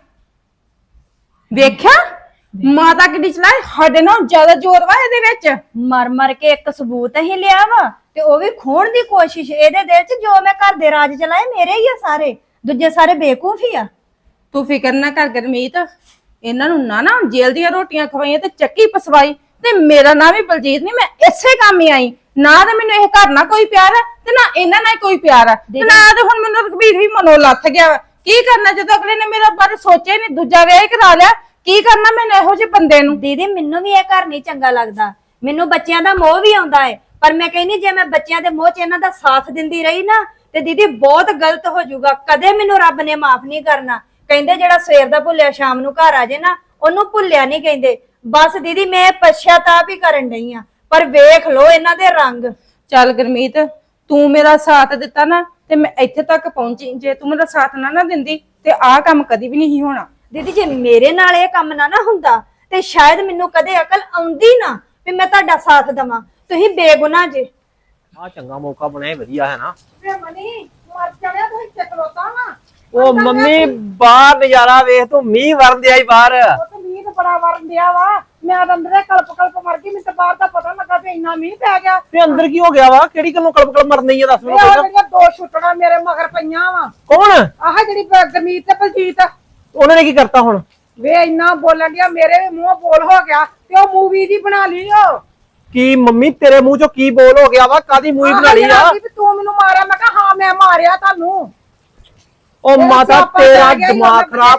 S3: ਵੇਖਿਆ ਮਾਤਾ ਕਿੱਡੀ ਚਲਾਈ, ਸਾਡੇ ਨਾਲ ਜ਼ਿਆਦਾ ਜ਼ੋਰ ਵਾ ਇਹਦੇ ਵਿੱਚ।
S2: ਮਰ ਮਰ ਕੇ ਇੱਕ ਸਬੂਤ ਹੀ ਲਿਆ ਵਾ, ਤੇ ਉਹ ਵੀ ਖੋਣ ਦੀ ਕੋਸ਼ਿਸ਼। ਇਹਦੇ ਦਿਲ 'ਚ ਜੋ ਮੈਂ ਘਰ ਦੇ ਰਾਜ ਚਲਾਏ ਮੇਰੇ ਹੀ ਆ ਸਾਰੇ, ਦੂਜੇ ਸਾਰੇ ਬੇਵਕੂਫ ਹੀ ਆ।
S3: ਤੂੰ ਫਿਕਰ ਨਾ ਕਰ ਗੁਰਮੀਤ, ਇਹਨਾਂ ਨੂੰ ਨਾ ਜੇਲ੍ਹ ਦੀਆਂ ਰੋਟੀਆਂ ਖਵਾਈਆਂ ਤੇ ਚੱਕੀ ਪਸਵਾਈ। ਤੇ ਮੇਰਾ ਨਾਂ ਵੀ ਬਲਜੀਤ ਨਹੀਂ, ਮੈਂ ਇਸੇ ਕੰਮ ਹੀ ਆਈ। ਨਾ ਤੇ ਮੈਨੂੰ ਇਹ ਘਰ ਨਾਲ ਕੋਈ ਪਿਆਰ ਹੈ ਤੇ ਨਾ ਇਹਨਾਂ ਨਾਲ ਕੋਈ ਪਿਆਰ ਹੈ, ਤੇ ਨਾ ਤੇ ਹੁਣ ਮੈਨੂੰ ਰਘਬੀਰ ਵੀ ਮਨੋਂ ਲੱਥ ਗਿਆ ਵਾ। ਕੀ ਕਰਨਾ ਜਦੋਂ ਅਗਲੇ ਨੇ ਮੇਰਾ ਬਾਰੇ ਸੋਚਿਆ ਨਹੀਂ, ਦੂਜਾ ਵਿਆਹ ਹੀ ਕਰਾ ਲਿਆ। ਕੀ ਕਰਨਾ ਮੈਨੂੰ ਇਹੋ ਜਿਹੇ ਬੰਦੇ ਨੂੰ।
S2: ਦੀਦੀ ਮੈਨੂੰ ਵੀ ਇਹ ਘਰ ਨਹੀਂ ਚੰਗਾ ਲੱਗਦਾ, ਮੈਨੂੰ ਬੱਚਿਆਂ ਦਾ ਮੋਹ ਵੀ ਆਉਂਦਾ ਹੈ, ਪਰ ਮੈਂ ਕਹਿੰਦੀ ਜੇ ਮੈਂ ਬੱਚਿਆਂ ਦੇ ਮੋਹ 'ਚ ਇਹਨਾਂ ਦਾ ਸਾਥ ਦਿੰਦੀ ਰਹੀ ਨਾ, ਤੇ ਦੀਦੀ ਬਹੁਤ ਗਲਤ ਹੋ ਜਾਊਗਾ। ਕਦੇ ਮੈਨੂੰ ਰੱਬ ਨੇ ਮਾਫ ਨਹੀਂ ਕਰਨਾ। ਕਹਿੰਦੇ ਜਿਹੜਾ ਸਵੇਰ ਦਾ ਭੁੱਲਿਆ ਸ਼ਾਮ ਨੂੰ ਘਰ ਆ ਜੇ ਨਾ, ਉਹਨੂੰ ਭੁੱਲਿਆ ਨਹੀਂ ਕਹਿੰਦੇ। ਬਸ ਦੀਦੀ ਮੈਂ ਪਛਤਾਪ ਹੀ ਕਰਨ ਡਈ ਆ, ਪਰ ਵੇਖ ਲੋ ਇਹਨਾਂ ਦੇ ਰੰਗ।
S3: ਚੱਲ ਗੁਰਮੀਤ, ਤੂੰ ਮੇਰਾ ਸਾਥ ਦਿੱਤਾ ਨਾ ਤੇ ਮੈਂ ਇੱਥੇ ਤੱਕ ਪਹੁੰਚੀ। ਜੇ ਤੂੰ ਮੇਰਾ ਸਾਥ ਨਾ ਦਿੰਦੀ ਤੇ ਆਹ ਕੰਮ ਕਦੀ ਵੀ ਨਹੀਂ ਹੋਣਾ।
S2: ਦੀਦੀ ਜੇ ਮੇਰੇ ਨਾਲ ਇਹ ਕੰਮ ਨਾ ਹੁੰਦਾ ਤੇ ਸ਼ਾਇਦ ਮੈਨੂੰ ਕਦੇ ਅਕਲ ਆਉਂਦੀ ਨਾ ਵੀ ਮੈਂ ਤੁਹਾਡਾ ਸਾਥ ਦਵਾਂ। ਤੁਸੀਂ ਬੇਗੁਨਾਹ ਜੇ।
S6: ਆ ਚੰਗਾ ਮੌਕਾ ਬਣਿਆ, ਵਧੀਆ ਹੈ ਨਾ।
S4: ਵੇ ਮਨੀ ਮਰ ਜਾਣਿਆ ਤੂੰ ਇੱਥੇ ਖਲੋਤਾ ਵਾ।
S6: ਉਹ ਮੰਮੀ ਬਾਹਰ ਨਜ਼ਾਰਾ ਵੇਖ ਤੂੰ, ਮੀਂਹ ਵਰਨ ਦਿਆ ਈ ਬਾਹਰ।
S4: ਉਹ ਤੇ ਮੀਂਹ ਤਾਂ ਬੜਾ ਵਰਨ ਦਿਆ ਵਾ। ਮੈਂ ਤਾਂ ਅੰਦਰੇ ਕਲਪ ਮਰ ਗਈ। ਮੈਨੂੰ ਤਾਂ ਬਾਹਰ ਦਾ ਪਤਾ ਲੱਗਾ ਤੇ ਇੰਨਾ ਮੀਂਹ ਪੈ ਗਿਆ।
S6: ਤੇ ਅੰਦਰ ਕੀ ਹੋ ਗਿਆ ਵਾ? ਕਿਹੜੀ ਗੱਲੋਂ ਕਲਪ ਮਰਨੀ ਆ, ਦੱਸ ਮੈਨੂੰ
S4: ਇਹ
S6: ਪਹਿਲਾਂ।
S4: ਜਿਹੜੀਆਂ ਦੋ ਛੁੱਟਣਾ ਮੇਰੇ ਮਗਰ ਪਈਆਂ ਵਾ।
S6: ਕੌਣ?
S4: ਆਹ ਜਿਹੜੀ ਗਰਮੀਤ ਤੇ ਬਲਜੀਤ।
S6: ਉਹਨਾਂ ਨੇ ਕੀ ਕਰਤਾ ਹੁਣ?
S4: ਵੇ ਇੰਨਾ ਬੋਲਣ ਡਿਆ, ਮੇਰੇ ਵੀ ਮੂੰਹ ਬੋਲ ਹੋ ਗਿਆ ਤੇ ਉਹ ਮੂਵੀ ਦੀ ਬਣਾ ਲਈ। ਉਹ
S6: ਕੀ ਮੰਮੀ ਤੇਰੇ ਮੂੰਹ ਚੋਂ ਕੀ ਬੋਲ ਹੋ ਗਿਆ ਵਾ? ਕਾਦੀ ਮੂਵੀ ਬਣਾ ਲਈ ਆ?
S4: ਵੀ ਤੂੰ ਮੈਨੂੰ ਮਾਰਿਆ। ਮੈਂ ਕਿਹਾ ਹਾਂ ਮੈਂ ਮਾਰਿਆ ਤੁਹਾਨੂੰ।
S6: ਉਹ
S4: ਮੇਰਾ
S6: ਮਾਤਾ
S4: ਸਿਆਪਾ
S6: ਤੇਰਾ
S4: ਪੈ ਗਿਆ ਈ
S6: ਦਿਮਾਗ
S4: ਉਹਦੇ
S6: ਖਰਾਬ ਆ।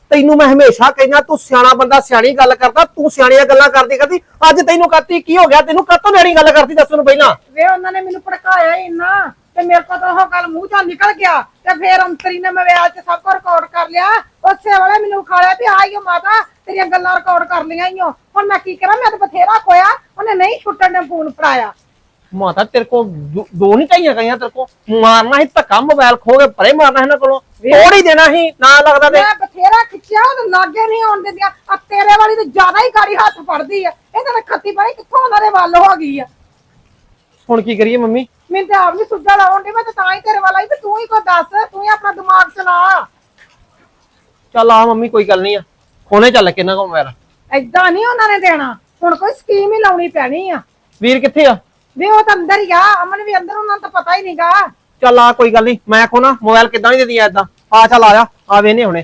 S6: ਤੈਨੂੰ ਮੈਂ ਹਮੇਸ਼ਾ ਕਹਿੰਦਾ ਤੂੰ ਸਿਆਣਾ ਬੰਦਾ ਸਿਆਣੀ ਗੱਲ ਕਰਦਾ, ਤੂੰ ਸਿਆਣੀਆਂ ਗੱਲਾਂ ਕਰਦੀ ਅੱਜ ਤੈਨੂੰ ਕਰਤੀ ਕੀ ਹੋ ਗਿਆ? ਤੈਨੂੰ ਕਾਹਤੋਂ ਨਿਆਣੀ ਗੱਲ ਕਰਦੀ ਦੱਸ ਮੈਨੂੰ ਪਹਿਲਾਂ।
S4: ਵੇ ਉਹਨਾਂ ਨੇ ਮੈਨੂੰ ਭੜਕਾਇਆ ਹੀ ਇੰਨਾ ਤੇ ਮੇਰੇ ਕੋਲ ਤਾਂ ਉਹ ਗੱਲ ਮੂੰਹ ਚੋਂ ਨਿਕਲ ਗਿਆ ਤੇ ਫੇਰ ਅੰਤਰੀ ਨੇ ਮੋਬਾਈਲ 'ਚ ਸਭ ਕੁਝ ਰਿਕਾਰਡ ਕਰ ਲਿਆ। ਉਸੇ ਵੇਲੇ ਮੈਨੂੰ ਖਾਲਿਆ ਵੀ ਆਈਓ ਮਾਤਾ ਤੇਰੀਆਂ ਗੱਲਾਂ ਰਿਕਾਰਡ ਕਰ ਲਈਆਂ ਈਓ। ਹੁਣ ਮੈਂ ਕੀ ਕਰਾਂ? ਮੈਂ ਤਾਂ ਬਥੇਰਾ ਖੋਇਆ, ਉਹਨੇ ਨਹੀਂ ਛੁੱਟਣ ਨੇ ਫੋਨ ਫੜਾਇਆ।
S6: ਮਾਤਾ ਤੇਰੇ ਕੋ ਦੋ ਨਹੀਂ ਚਾਹੀਆਂ ਗਈਆਂ, ਤੇਰੇ ਕੋ ਮਾਰਨਾ ਸੀ ਧੱਕਾ, ਮੋਬਾਈਲ ਖੋ ਕੇ ਪਰੇ ਮਾਰਨਾ ਇਹਨਾਂ ਕੋਲੋਂ, ਤੋੜ ਹੀ ਦੇਣਾ ਸੀ ਨਾ ਲੱਗਦਾ ਤੇ।
S4: ਮੈਂ ਬਥੇਰਾ ਖਿੱਚਿਆ, ਉਹ ਲਾਗੇ ਨਹੀਂ ਆਉਣ ਦਿੰਦੀਆਂ। ਆ ਤੇਰੇ ਵਾਲੀ ਤਾਂ ਜ਼ਿਆਦਾ ਹੀ ਗਾੜੀ ਹੱਥ ਫੜਦੀ ਆ। ਇਹਦਾ ਤਾਂ ਖੱਤੀ ਪਾਈ ਕਿੱਥੋਂ ਉਹਨਾਂ ਦੇ ਵੱਲ ਹੋ ਗਈ ਆ।
S6: ਹੁਣ ਕੀ ਕਰੀਏ ਮੰਮੀ?
S4: ਮੈਨੂੰ ਤਾਂ ਆਪ ਨੀ ਸੁੱਧਾ ਲਾਉਣ ਦੀ। ਮੈਂ ਤਾਂ ਹੀ ਤੇਰੇ ਵੱਲ ਆਈ ਵੀ ਤੂੰ ਹੀ ਕੋ ਦੱਸ, ਤੂੰ ਹੀ ਆਪਣਾ ਦਿਮਾਗ ਚਲਾ।
S6: ਚੱਲ ਆ ਮੰਮੀ ਕੋਈ ਗੱਲ ਨਹੀਂ ਆ, ਖੋਨੇ ਚੱਲ ਕੇ ਇਹਨਾਂ ਕੋਲ ਮੋਬਾਈਲ।
S4: ਏਦਾਂ ਨਹੀਂ ਉਹਨਾਂ ਨੇ ਦੇਣਾ, ਹੁਣ ਕੋਈ ਸਕੀਮ ਹੀ ਲਾਉਣੀ ਪੈਣੀ ਆ।
S6: ਵੀਰ ਕਿੱਥੇ ਆ?
S4: ਵੀ ਉਹ ਤਾਂ ਅੰਦਰ ਹੀ ਆ, ਅਮਨ ਵੀ ਅੰਦਰ, ਉਹਨਾਂ ਨੂੰ ਤਾਂ ਪਤਾ ਹੀ ਨਹੀਂਗਾ।
S6: ਚੱਲ ਆ ਕੋਈ ਗੱਲ ਨਹੀਂ, ਮੈਂ ਖੋਨਾ ਮੋਬਾਈਲ ਕਿੱਦਾਂ ਨਹੀਂ ਦਿੰਦੀ ਏਦਾਂ। ਆ ਚੱਲ ਆ ਜਾ, ਆ ਵੇਨੇ ਹੁਣੇ।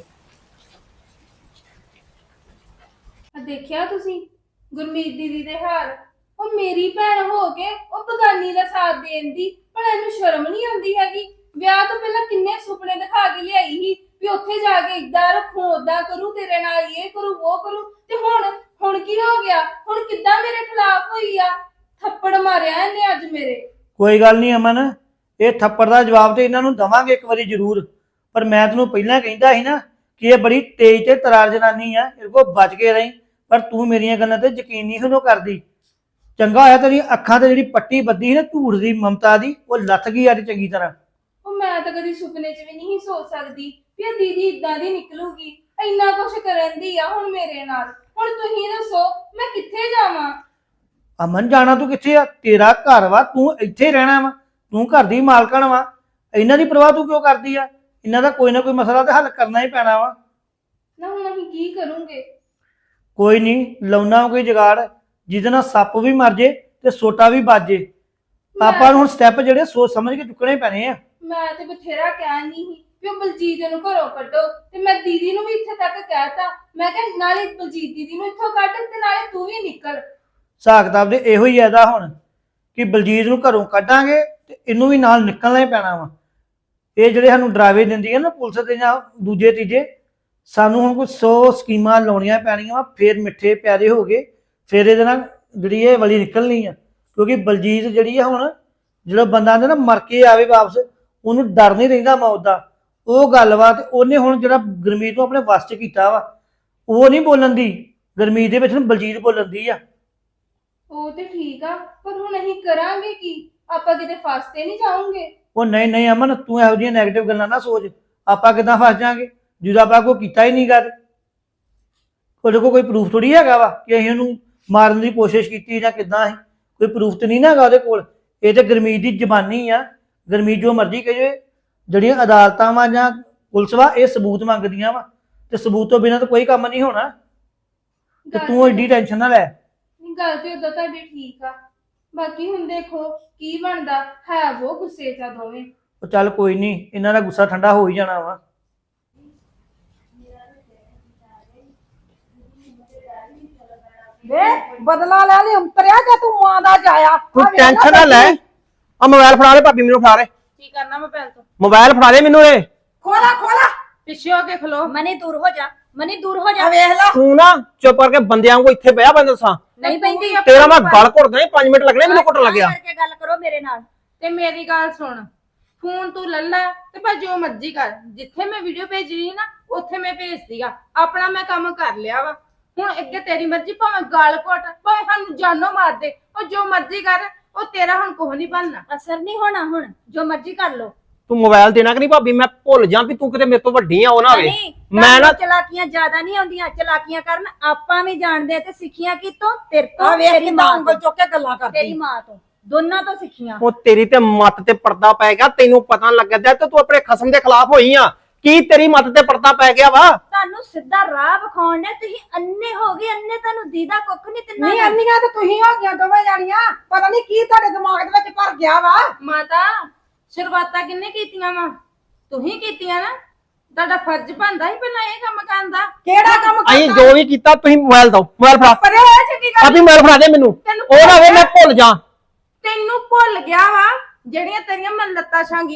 S1: ਦੇਖਿਆ ਤੁਸੀਂ ਗੁਰਮੀਤ ਦੀਦੀ ਦੇ ਹਾਲ? ਉਹ ਮੇਰੀ ਭੈਣ ਹੋ ਕੇ ਉਹ ਬਗਾਨੀ ਦਾ ਸਾਥ ਦੇਣ ਦੀ ਪਰ ਇਹਨੂੰ ਸ਼ਰਮ ਨਹੀਂ ਆਉਂਦੀ ਹੈਗੀ। ਵਿਆਹ ਤੋਂ ਪਹਿਲਾਂ ਕਿੰਨੇ ਸੁਪਨੇ ਦਿਖਾ ਕੇ ਲਿਆਈ ਸੀ ਵੀ ਉੱਥੇ ਜਾ ਕੇ ਇਦਾਂ ਰੱਖੂ, ਓਦਾਂ ਕਰੂ, ਤੇਰੇ ਨਾਲ ਇਹ ਕਰੂ, ਉਹ ਕਰੂ, ਤੇ ਹੁਣ ਕੀ ਹੋ ਗਿਆ? ਹੁਣ ਕਿੱਦਾਂ ਮੇਰੇ ਖਿਲਾਫ ਹੋਈ ਆ? ਥੱਪੜ ਮਾਰਿਆ ਇਹਨੇ ਅੱਜ ਮੇਰੇ।
S5: ਕੋਈ ਗੱਲ ਨਹੀਂ ਅਮਨ, ਇਹ ਥੱਪੜ ਦਾ ਜਵਾਬ ਤੇ ਇਹਨਾਂ ਨੂੰ ਦਵਾਂਗੇ ਇੱਕ ਵਾਰੀ ਜ਼ਰੂਰ। ਪਰ ਮੈਂ ਤੈਨੂੰ ਪਹਿਲਾਂ ਕਹਿੰਦਾ ਸੀ ਨਾ ਕਿ ਇਹ ਬੜੀ ਤੇਜ਼ ਤੇ ਤਰਾਰ ਜਨਾਨੀ ਆ, ਇਹ ਕੋ ਬਚ ਕੇ ਰਹੀ। ਪਰ ਤੂੰ ਮੇਰੀਆਂ ਗੱਲਾਂ ਤੇ ਯਕੀਨ ਨਹੀਂ ਉਹਨੂੰ ਕਰਦੀ। ਚੰਗਾ ਹੋਇਆ ਤੇਰੀਆਂ ਅੱਖਾਂ ਤੇ ਜਿਹੜੀ ਪੱਟੀ ਬੱਧੀ ਸੀ ਨਾ ਝੂਠ ਦੀ ਮਮਤਾ ਦੀ, ਉਹ ਲੱਥ ਗਈ ਅੱਜ ਚੰਗੀ ਤਰ੍ਹਾਂ।
S1: ਉਹ ਮੈਂ ਤਾਂ ਕਦੀ ਸੁਪਨੇ 'ਚ ਵੀ ਨਹੀਂ ਸੋਚ ਸਕਦੀ ਵੀ ਇਹ ਦੀਦੀ ਇਦਾਂ ਦੀ ਨਿਕਲੂਗੀ, ਇੰਨਾ ਕੁਛ ਕਰਨ ਦੀ ਆ ਹੁਣ ਮੇਰੇ ਨਾਲ। ਹੁਣ ਤੁਸੀਂ ਦੱਸੋ ਮੈਂ ਕਿੱਥੇ ਜਾਵਾਂ?
S5: ਅਮਨ ਜਾਣਾ ਤੂੰ ਕਿੱਥੇ ਆ? ਤੇਰਾ ਘਰ ਵਾ, ਤੂੰ ਇੱਥੇ ਰਹਿਣਾ ਵਾ, ਤੂੰ ਘਰ ਦੀ ਮਾਲਕਣ ਵਾ। ਇਹਨਾਂ ਦੀ ਪਰਵਾਹ ਤੂੰ ਕਿਉਂ ਕਰਦੀ ਆ? ਇਹਨਾਂ ਦਾ ਕੋਈ ਨਾ ਕੋਈ ਮਸਲਾ ਤੇ ਹੱਲ ਕਰਨਾ ਹੀ ਪੈਣਾ ਵਾ।
S1: ਨਾ ਹੁਣ ਅਸੀਂ ਕੀ ਕਰੂੰਗੇ?
S5: ਕੋਈ ਨਹੀਂ, ਲਾਉਣਾ ਕੋਈ ਜੁਗਾੜ ਜਿਹਦੇ ਨਾਲ ਸੱਪ ਵੀ ਮਰ ਜੇ ਤੇ ਸੋਟਾ ਵੀ ਵੱਜ ਜੇ। ਆਪਾਂ ਨੂੰ ਹੁਣ ਸਟੈਪ ਜਿਹੜੇ ਸੋਚ ਸਮਝ ਕੇ ਚੁੱਕਣੇ ਪੈਣੇ ਆ।
S1: ਮੈਂ ਤੇ ਬਥੇਰਾ ਕਹਿਣ ਨਹੀਂ ਸੀ ਵੀ ਉਹ ਬਲਜੀਤ ਨੂੰ ਘਰੋਂ ਕੱਢੋ, ਤੇ ਮੈਂ ਦੀਦੀ ਨੂੰ ਵੀ ਇੱਥੇ ਤੱਕ ਕਹਿਤਾ। ਮੈਂ ਕਿਹਾ ਨਾਲੇ ਬਲਜੀਤ ਦੀਦੀ ਨੂੰ ਇੱਥੋਂ ਕੱਢ ਤੇ ਨਾਲੇ ਤੂੰ ਵੀ ਨਿਕਲ।
S5: ਹਿਸਾਬ ਕਿਤਾਬ ਦੇ ਇਹੋ ਹੀ ਇਹਦਾ ਹੁਣ ਕਿ ਬਲਜੀਤ ਨੂੰ ਘਰੋਂ ਕੱਢਾਂਗੇ ਤੇ ਇਹਨੂੰ ਵੀ ਨਾਲ ਨਿਕਲਣਾ ਹੀ ਪੈਣਾ ਵਾ। ਇਹ ਜਿਹੜੇ ਸਾਨੂੰ ਡਰਾਵੇ ਦਿੰਦੀ ਹੈ ਨਾ ਪੁਲਿਸ ਤੇ ਜਾਂ ਦੂਜੇ ਤੀਜੇ, ਸਾਨੂੰ ਹੁਣ ਕੋਈ 100 ਸਕੀਮਾਂ ਲਾਉਣੀਆਂ ਪੈਣੀਆਂ ਵਾ, ਫੇਰ ਮਿੱਠੇ ਪਿਆਰੇ ਹੋ ਗਏ, ਫੇਰ ਇਹਦੇ ਨਾਲ ਜਿਹੜੀ ਇਹ ਵਲੀ ਨਿਕਲਣੀ ਆ। ਕਿਉਂਕਿ ਬਲਜੀਤ ਜਿਹੜੀ ਆ ਹੁਣ, ਜਿਹੜਾ ਬੰਦਾ ਆਂਦਾ ਨਾ ਮਰ ਕੇ ਆਵੇ ਵਾਪਸ, ਉਹਨੂੰ ਡਰ ਨਹੀਂ ਰਹਿੰਦਾ ਮੌਤ ਦਾ। ਉਹ ਗੱਲ ਵਾ। ਤੇ ਉਹਨੇ ਹੁਣ ਜਿਹੜਾ ਗੁਰਮੀਤ ਨੂੰ ਆਪਣੇ ਵੱਸ 'ਚ ਕੀਤਾ ਵਾ, ਉਹ ਨਹੀਂ ਬੋਲਣ ਦੀ, ਗੁਰਮੀਤ ਦੇ ਵਿੱਚ ਬਲਜੀਤ ਬੋਲਣ ਦੀ ਆ।
S1: ਉਹ ਤੇ ਠੀਕ ਆ, ਪਰ ਹੁਣ ਅਸੀਂ ਕਰਾਂਗੇ ਕੀ? ਆਪਾਂ ਕਿਤੇ ਫਸ ਤੇ ਨਹੀਂ ਜਾਵਾਂਗੇ?
S5: ਉਹ ਨਹੀਂ ਅਮਨ, ਤੂੰ ਇਹੋ ਜਿਹੀਆਂ ਨੈਗੇਟਿਵ ਗੱਲਾਂ ਨਾ ਸੋਚ। ਆਪਾਂ ਕਿੱਦਾਂ ਫਸ ਜਾਾਂਗੇ ਜਦੋਂ ਆਪਾਂ ਕੋਈ ਕੀਤਾ ਹੀ ਨਹੀਂ ਕਰ। ਉਹਦੇ ਕੋਲ ਕੋਈ ਪ੍ਰੂਫ ਥੋੜੀ ਹੈਗਾ ਵਾ ਕਿ ਅਸੀਂ ਉਹਨੂੰ ਮਾਰਨ ਦੀ ਕੋਸ਼ਿਸ਼ ਕੀਤੀ ਜਾਂ ਕਿੱਦਾਂ ਸੀ। ਕੋਈ ਪ੍ਰੂਫ ਤੇ ਨਹੀਂ ਨਾ ਹੈਗਾ ਉਹਦੇ ਕੋਲ। ਇਹ ਤੇ ਗੁਰਮੀਤ ਦੀ ਜ਼ਬਾਨੀ ਆ। ਗੁਰਮੀਤ ਜੋ ਮਰਜ਼ੀ ਕਹੇ, ਜਿਹੜੀਆਂ ਅਦਾਲਤਾਂ ਵਾ ਜਾਂ ਪੁਲਿਸ ਵਾ, ਇਹ ਸਬੂਤ ਮੰਗਦੀਆਂ ਵਾ, ਤੇ ਸਬੂਤ ਤੋਂ ਬਿਨਾਂ ਤਾਂ ਕੋਈ ਕੰਮ ਨਹੀਂ ਹੋਣਾ। ਤੇ ਤੂੰ ਐਡੀ ਟੈਨਸ਼ਨ ਨਾ ਲੈ।
S1: ਗੱਲ ਤੇ ਉਦੋਂ ਤੁਹਾਡੀ ਠੀਕ ਆ, ਬਾਕੀ ਹੁਣ ਦੇਖੋ ਕੀ ਬਣਦਾ ਹੈ। ਉਹ ਗੁੱਸੇ 'ਚ ਆ ਦੋਵੇਂ।
S5: ਉਹ ਚੱਲ ਕੋਈ ਨਹੀਂ, ਇਹਨਾਂ ਦਾ ਗੁੱਸਾ ਠੰਡਾ ਹੋ ਹੀ ਜਾਣਾ ਵਾ।
S4: ਵੇ ਬਦਲਾ ਲੈ ਲਈ ਅੰਤਰਿਆ ਜੇ ਤੂੰ ਮਾਂ ਦਾ ਜਾਇਆ।
S6: ਤੂੰ ਟੈਨਸ਼ਨ ਨਾ ਲੈ। ਆ ਮੋਬਾਈਲ ਫੜਾ ਦੇ ਭਾਬੀ, ਮੈਨੂੰ ਫੜਾ ਦੇ
S3: ਕੀ ਕਰਨਾ ਮੋਬਾਈਲ ਤੋਂ?
S6: ਮੋਬਾਈਲ ਫੜਾ ਦੇ ਮੈਨੂੰ। ਇਹ
S4: ਖੋਲਾ
S3: ਪਿੱਛੇ ਹੋ ਕੇ ਖਲੋ।
S2: ਮਨੀ ਦੂਰ ਹੋ ਜਾ, ਮਨੀ ਦੂਰ ਹੋ ਜਾ।
S4: ਵੇਖ ਲੈ।
S6: ਤੂੰ ਨਾ ਚੁੱਪ ਕਰਕੇ ਬੰਦਿਆਂ ਵਾਂਗੂ ਇੱਥੇ ਬਹਿ ਬੰਦ ਦੱਸਾਂ।
S2: ਨਹੀਂ ਪੈਂਦੀ।
S6: ਤੇਰਾ ਮੈਂ ਗਲ ਘੁੱਟਦਾ ਨਹੀਂ, 5 ਮਿੰਟ ਲੱਗਣੇ ਮੈਨੂੰ ਘੁੱਟਣ ਲੱਗਿਆ।
S2: ਕਰਕੇ ਗੱਲ ਕਰੋ ਮੇਰੇ ਨਾਲ।
S3: ਤੇ ਮੇਰੀ ਗੱਲ ਸੁਣ, ਫੋਨ ਤੂੰ ਲੱਲਾ ਤੇ ਭਾਵੇਂ ਜੋ ਮਰਜ਼ੀ ਕਰ। ਜਿੱਥੇ ਮੈਂ ਵੀਡੀਓ ਭੇਜਣੀ ਨਾ ਉੱਥੇ ਮੈਂ ਭੇਜਦੀ ਆ। ਆਪਣਾ ਮੈਂ ਕੰਮ ਕਰ ਲਿਆ ਵਾ। ਹੁਣ ਅੱਗੇ ਤੇਰੀ ਮਰਜ਼ੀ, ਭਾਵੇਂ ਗਾਲ ਘੁੱਟ, ਭਾਵੇਂ ਸਾਨੂੰ ਜਾਨੋਂ ਮਾਰ ਦੇ, ਉਹ ਜੋ ਮਰਜ਼ੀ ਕਰ। ਉਹ ਤੇਰਾ ਹੁਣ ਕੁਝ ਨਹੀਂ ਬਣਨਾ।
S2: ਅਸਰ ਨਹੀਂ ਹੋਣਾ, ਹੁਣ ਜੋ ਮਰਜ਼ੀ ਕਰ ਲੋ।
S6: ਤੂੰ ਮੋਬਾਈਲ ਦੇਣਾ ਕਿ ਨਹੀਂ ਭਾਬੀ? ਮੈਂ ਭੁੱਲ ਜਾ ਵੀ ਤੂੰ ਕਿਤੇ ਮੇਰੇ ਤੋਂ ਵੱਡੀ ਆ ਉਹ ਨਾ ਹੋਵੇ। ਮੈਂ ਨਾ
S2: ਚਲਾਕੀਆਂ ਜ਼ਿਆਦਾ ਨਹੀਂ ਆਉਂਦੀਆਂ, ਚਲਾਕੀਆਂ ਕਰਨ ਆਪਾਂ ਵੀ ਜਾਣਦੇ ਆ। ਤੇ ਸਿੱਖੀਆਂ ਕਿਤੋਂ? ਤੇਰੇ ਤੋਂ,
S4: ਆ ਵੇਖ
S2: ਤੇਰੀ
S4: ਕਿੰਨਾ
S2: ਮਾਂ
S4: ਉਂਗਲ
S2: ਤੋਂ,
S4: ਚੁੱਕ ਕੇ ਗੱਲਾਂ ਕਰਦੀ।
S2: ਤੇਰੀ ਮਾਂ ਤੋਂ, ਦੋਨਾਂ ਤੋਂ ਸਿੱਖੀਆਂ।
S6: ਉਹ ਤੇਰੀ ਤੇ ਮੱਤ ਤੇ ਪਰਦਾ ਪੈ ਗਿਆ, ਤੈਨੂੰ ਪਤਾ ਲੱਗਦਾ ਤੇ ਤੂੰ ਆਪਣੇ ਖਸਮ ਦੇ ਖਿਲਾਫ ਹੋਈ ਆ। ਕੀ ਤੇਰੀ ਮੱਤ ਤੇ ਪਰਦਾ ਪੈ ਗਿਆ ਵਾ?
S2: ਤੁਹਾਨੂੰ ਸਿੱਧਾ ਰਾਹ ਵਿਖਾਉਣ ਨੇ, ਤੁਸੀਂ ਅੰਨੇ ਹੋ ਗਏ। ਅੰਨੇ ਤੁਹਾਨੂੰ ਦੀਦਾ ਕੁੱਖ ਨਹੀਂ ਤਿੰਨਾਂ
S4: ਨਹੀਂ
S2: ਨੂੰ।
S4: ਅੰਨੀਆਂ ਤੇ ਤੁਸੀਂ ਹੋ ਗਈਆਂ ਦੋਵੇਂ ਜਾਣੀਆਂ। ਪਤਾ ਨਹੀਂ ਕੀ ਤੁਹਾਡੇ ਦਿਮਾਗ ਦੇ ਵਿੱਚ ਭਰ ਗਿਆ ਵਾ।
S3: ਮਾਤਾ ਸ਼ੁਰੂਆਤਾਂ ਕਿੰਨੇ ਕੀਤੀਆਂ ਵਾ? ਤੁਸੀਂ ਕੀਤੀਆਂ ਨਾ। ਤੁਹਾਡਾ ਫਰਜ਼ ਬਣਦਾ ਸੀ ਪਹਿਲਾਂ ਇਹ ਕੰਮ ਕਰਨ ਦਾ।
S4: ਕਿਹੜਾ ਕੰਮ
S6: ਅਸੀਂ ਜੋ ਵੀ ਕੀਤਾ ਤੁਸੀਂ ਮੋਬਾਈਲ ਦੋ। ਮੋਬਾਈਲ ਫੜਾ
S3: ਪਰੇ ਹੋਇਆ ਚੰਗੀ ਗੱਲ।
S6: ਭਾਬੀ, ਮੋਬਾਈਲ ਫੜਾ ਦੇ ਮੈਨੂੰ। ਉਹ ਨਾ ਹੋਵੇ ਮੈਂ ਭੁੱਲ ਜਾ।
S3: ਤੈਨੂੰ ਭੁੱਲ ਗਿਆ ਵਾ ਜਿਹੜੀਆਂ ਤੇਰੀਆਂ ਮੈਂ ਲੱਤਾਂ ਛਾਂਗੀਆਂ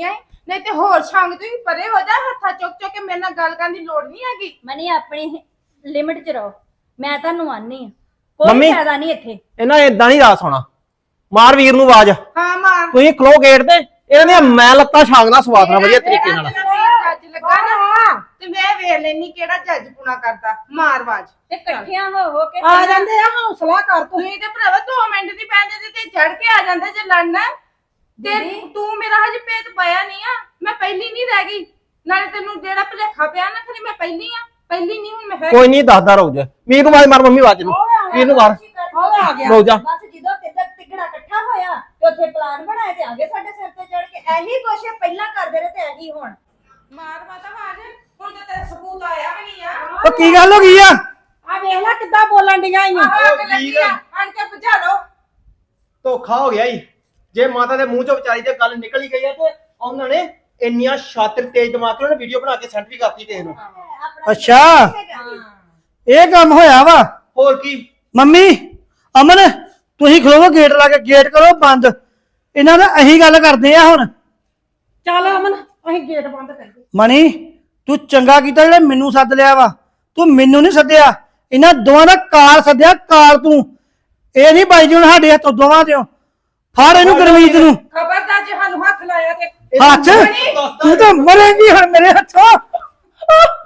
S3: ਨਹੀਂ ਤੇ ਹੋਰ ਸੰਗ ਤੁਸੀਂ ਪਰੇ ਹੋ ਜਾ, ਹੱਥਾਂ ਚੁੱਕ ਕੇ ਮੇਰੇ ਨਾਲ ਗੱਲ ਕਰਨ ਦੀ ਲੋੜ ਨਹੀਂ ਹੈਗੀ।
S2: ਮਨੀ ਆਪਣੀ ਲਿਮਿਟ 'ਚ ਰਹੋ, ਮੈਂ ਤੁਹਾਨੂੰ ਆਨੀ ਆ ਕੋਈ
S6: ਮੰਮੀ।
S2: ਫਾਇਦਾ ਨਹੀਂ ਇੱਥੇ।
S6: ਇਹਨਾਂ ਏਦਾਂ ਨਹੀਂ ਰਾਸ ਹੋਣਾ। ਮਾਰ ਵੀਰ ਨੂੰ ਆਵਾਜ਼।
S3: ਹਾਂ ਮਾਰ।
S6: ਤੁਸੀਂ ਖਲੋ ਗੇਟ ਤੇ, ਇਹਨਾਂ ਦੀਆਂ ਮੈਂ ਲੱਤਾਂ ਛਾਂਗਦਾ ਸਵਾਦ ਨਾਲ ਵਧੀਆ ਤਰੀਕੇ ਨਾਲ।
S3: ਜੱਜ ਲੱਗਾ ਨਾ ਤੇ ਮੈਂ ਵੇਖ ਲੈਣੀ ਕਿਹੜਾ ਜੱਜ ਪੁਣਾ ਕਰਦਾ। ਮਾਰ ਆਵਾਜ਼।
S2: ਤੇ ਇਕੱਠਿਆਂ ਹੋ ਕੇ
S4: ਆ ਜਾਂਦੇ ਆ, ਹੌਸਲਾ ਕਰ ਤੂੰ।
S3: ਤੁਸੀਂ ਤੇ ਭਰਾਵਾ 2 ਮਿੰਟ ਦੀ ਪੈਂਦੇ ਤੇ ਚੜ ਕੇ ਆ ਜਾਂਦੇ ਜੇ ਲੜਨਾ। ਤੇ ਤੂੰ ਮੇਰਾ ਹਜੇ ਪੇਤ ਪਾਇਆ ਨਹੀਂ ਆ, ਮੈਂ ਪਹਿਲੀ ਨਹੀਂ ਰਹਿ ਗਈ। ਨਾਲੇ ਤੈਨੂੰ ਜਿਹੜਾ ਭੁਲੇਖਾ ਪਿਆ ਨਾ ਖਰੀ ਮੈਂ ਪਹਿਲੀ ਆ, ਪਹਿਲੀ ਨਹੀਂ ਹੁਣ ਮੈਂ ਹੈ।
S6: ਕੋਈ ਨਹੀਂ ਦੱਸਦਾ ਰੁਕ ਜਾ। ਵੀਰ ਨੂੰ ਆਵਾਜ਼ ਮਾਰ ਮੰਮੀ ਆਵਾਜ਼ ਨੂੰ। ਵੀਰ ਨੂੰ ਮਾਰ
S4: ਉਹ ਆ ਗਿਆ।
S6: ਰੁਕ ਜਾ।
S2: ਬਸ ਜਦੋਂ ਤਿੱਗੜਾ ਤਿੱਗੜਾ ਇਕੱਠਾ ਹੋਇਆ ਤੇ ਉੱਥੇ ਪਲਾਨ ਬਣਾਏ ਤੇ ਆਗੇ ਸਾਡੇ ਸਿਰ ਤੇ ਚੜ ਕੇ ਇਹੀ ਕੁਛ ਪਹਿਲਾਂ ਕਰਦੇ ਰਹੇ ਤੇ ਇਹੀ ਹੁਣ।
S3: ਮਾਰ ਮਾਤਾ ਆਵਾਜ਼। ਹੁਣ ਤੇ ਤੇਰਾ ਸਬੂਤ ਆਇਆ ਵੀ ਨਹੀਂ ਆ।
S5: ਉਹ ਕੀ ਗੱਲ ਹੋ ਗਈ ਆ?
S4: ਆ ਵੇਖ ਲੈ ਕਿੱਦਾਂ ਬੋਲਣ ਡੀਆਂ ਈ।
S3: ਆਹ ਅੱਗ ਲੱਗੀ ਆ, ਆਣ ਕੇ ਬੁਝਾ ਲਓ।
S6: ਧੋਖਾ ਹੋ ਗਿਆ ਈ। ਜੇ ਮਾਤਾ ਦੇ ਮੂੰਹ ਚੋਂ ਵਿਚਾਰੀ ਤੇ ਗੱਲ ਨਿਕਲ ਹੀ ਗਈ ਆ ਤੇ ਉਹਨਾਂ ਨੇ ਇੰਨੀਆਂ ਸ਼ਾਤਰ ਤੇਜ਼ ਦਿਮਾਗ ਨਾਲ ਵੀਡੀਓ ਬਣਾ ਕੇ ਸੈਂਡ ਵੀ ਕਰਤੀ ਕਿਸੇ ਨੂੰ।
S5: ਅੱਛਾ ਇਹ ਕੰਮ ਹੋਇਆ ਵਾ।
S6: ਹੋਰ ਕੀ।
S5: ਮੰਮੀ ਅਮਨ ਤੁਸੀਂ ਖਲੋਵੋ, ਗੇਟ ਲਾ ਕੇ ਗੇਟ ਕਰੋ ਬੰਦ। ਇਹਨਾਂ ਦਾ ਅਹੀਂ ਗੱਲ ਕਰਦੇ ਆ ਹੁਣ।
S4: ਚੱਲ ਅਮਨ ਅਸੀਂ ਗੇਟ ਬੰਦ ਕਰੀਏ।
S5: ਮਣੀ ਤੂੰ ਚੰਗਾ ਕੀਤਾ ਜਿਹੜਾ ਮੈਨੂੰ ਸੱਦ ਲਿਆ ਵਾ। ਤੂੰ ਮੈਨੂੰ ਨਹੀਂ ਸੱਦਿਆ, ਇਹਨਾਂ ਦੋਵਾਂ ਦਾ ਕਾਲ ਸੱਦਿਆ। ਕਾਲ ਤੂੰ ਇਹ ਨਹੀਂ ਬਾਈ ਜੀ ਹੁਣ ਸਾਡੇ ਹੱਥੋਂ ਦੋਵਾਂ ਦਿਓ। ਫੜ ਇਹਨੂੰ ਗੁਰਮੀਤ ਨੂੰ।
S3: ਖਬਰਦਾਰ ਜੇ ਸਾਨੂੰ ਹੱਥ ਲਾਇਆ ਤੇ
S5: ਹੱਥ ਤੂੰ ਤਾਂ ਮਰੇਂਗੀ ਹੁਣ ਮੇਰੇ ਹੱਥੋਂ।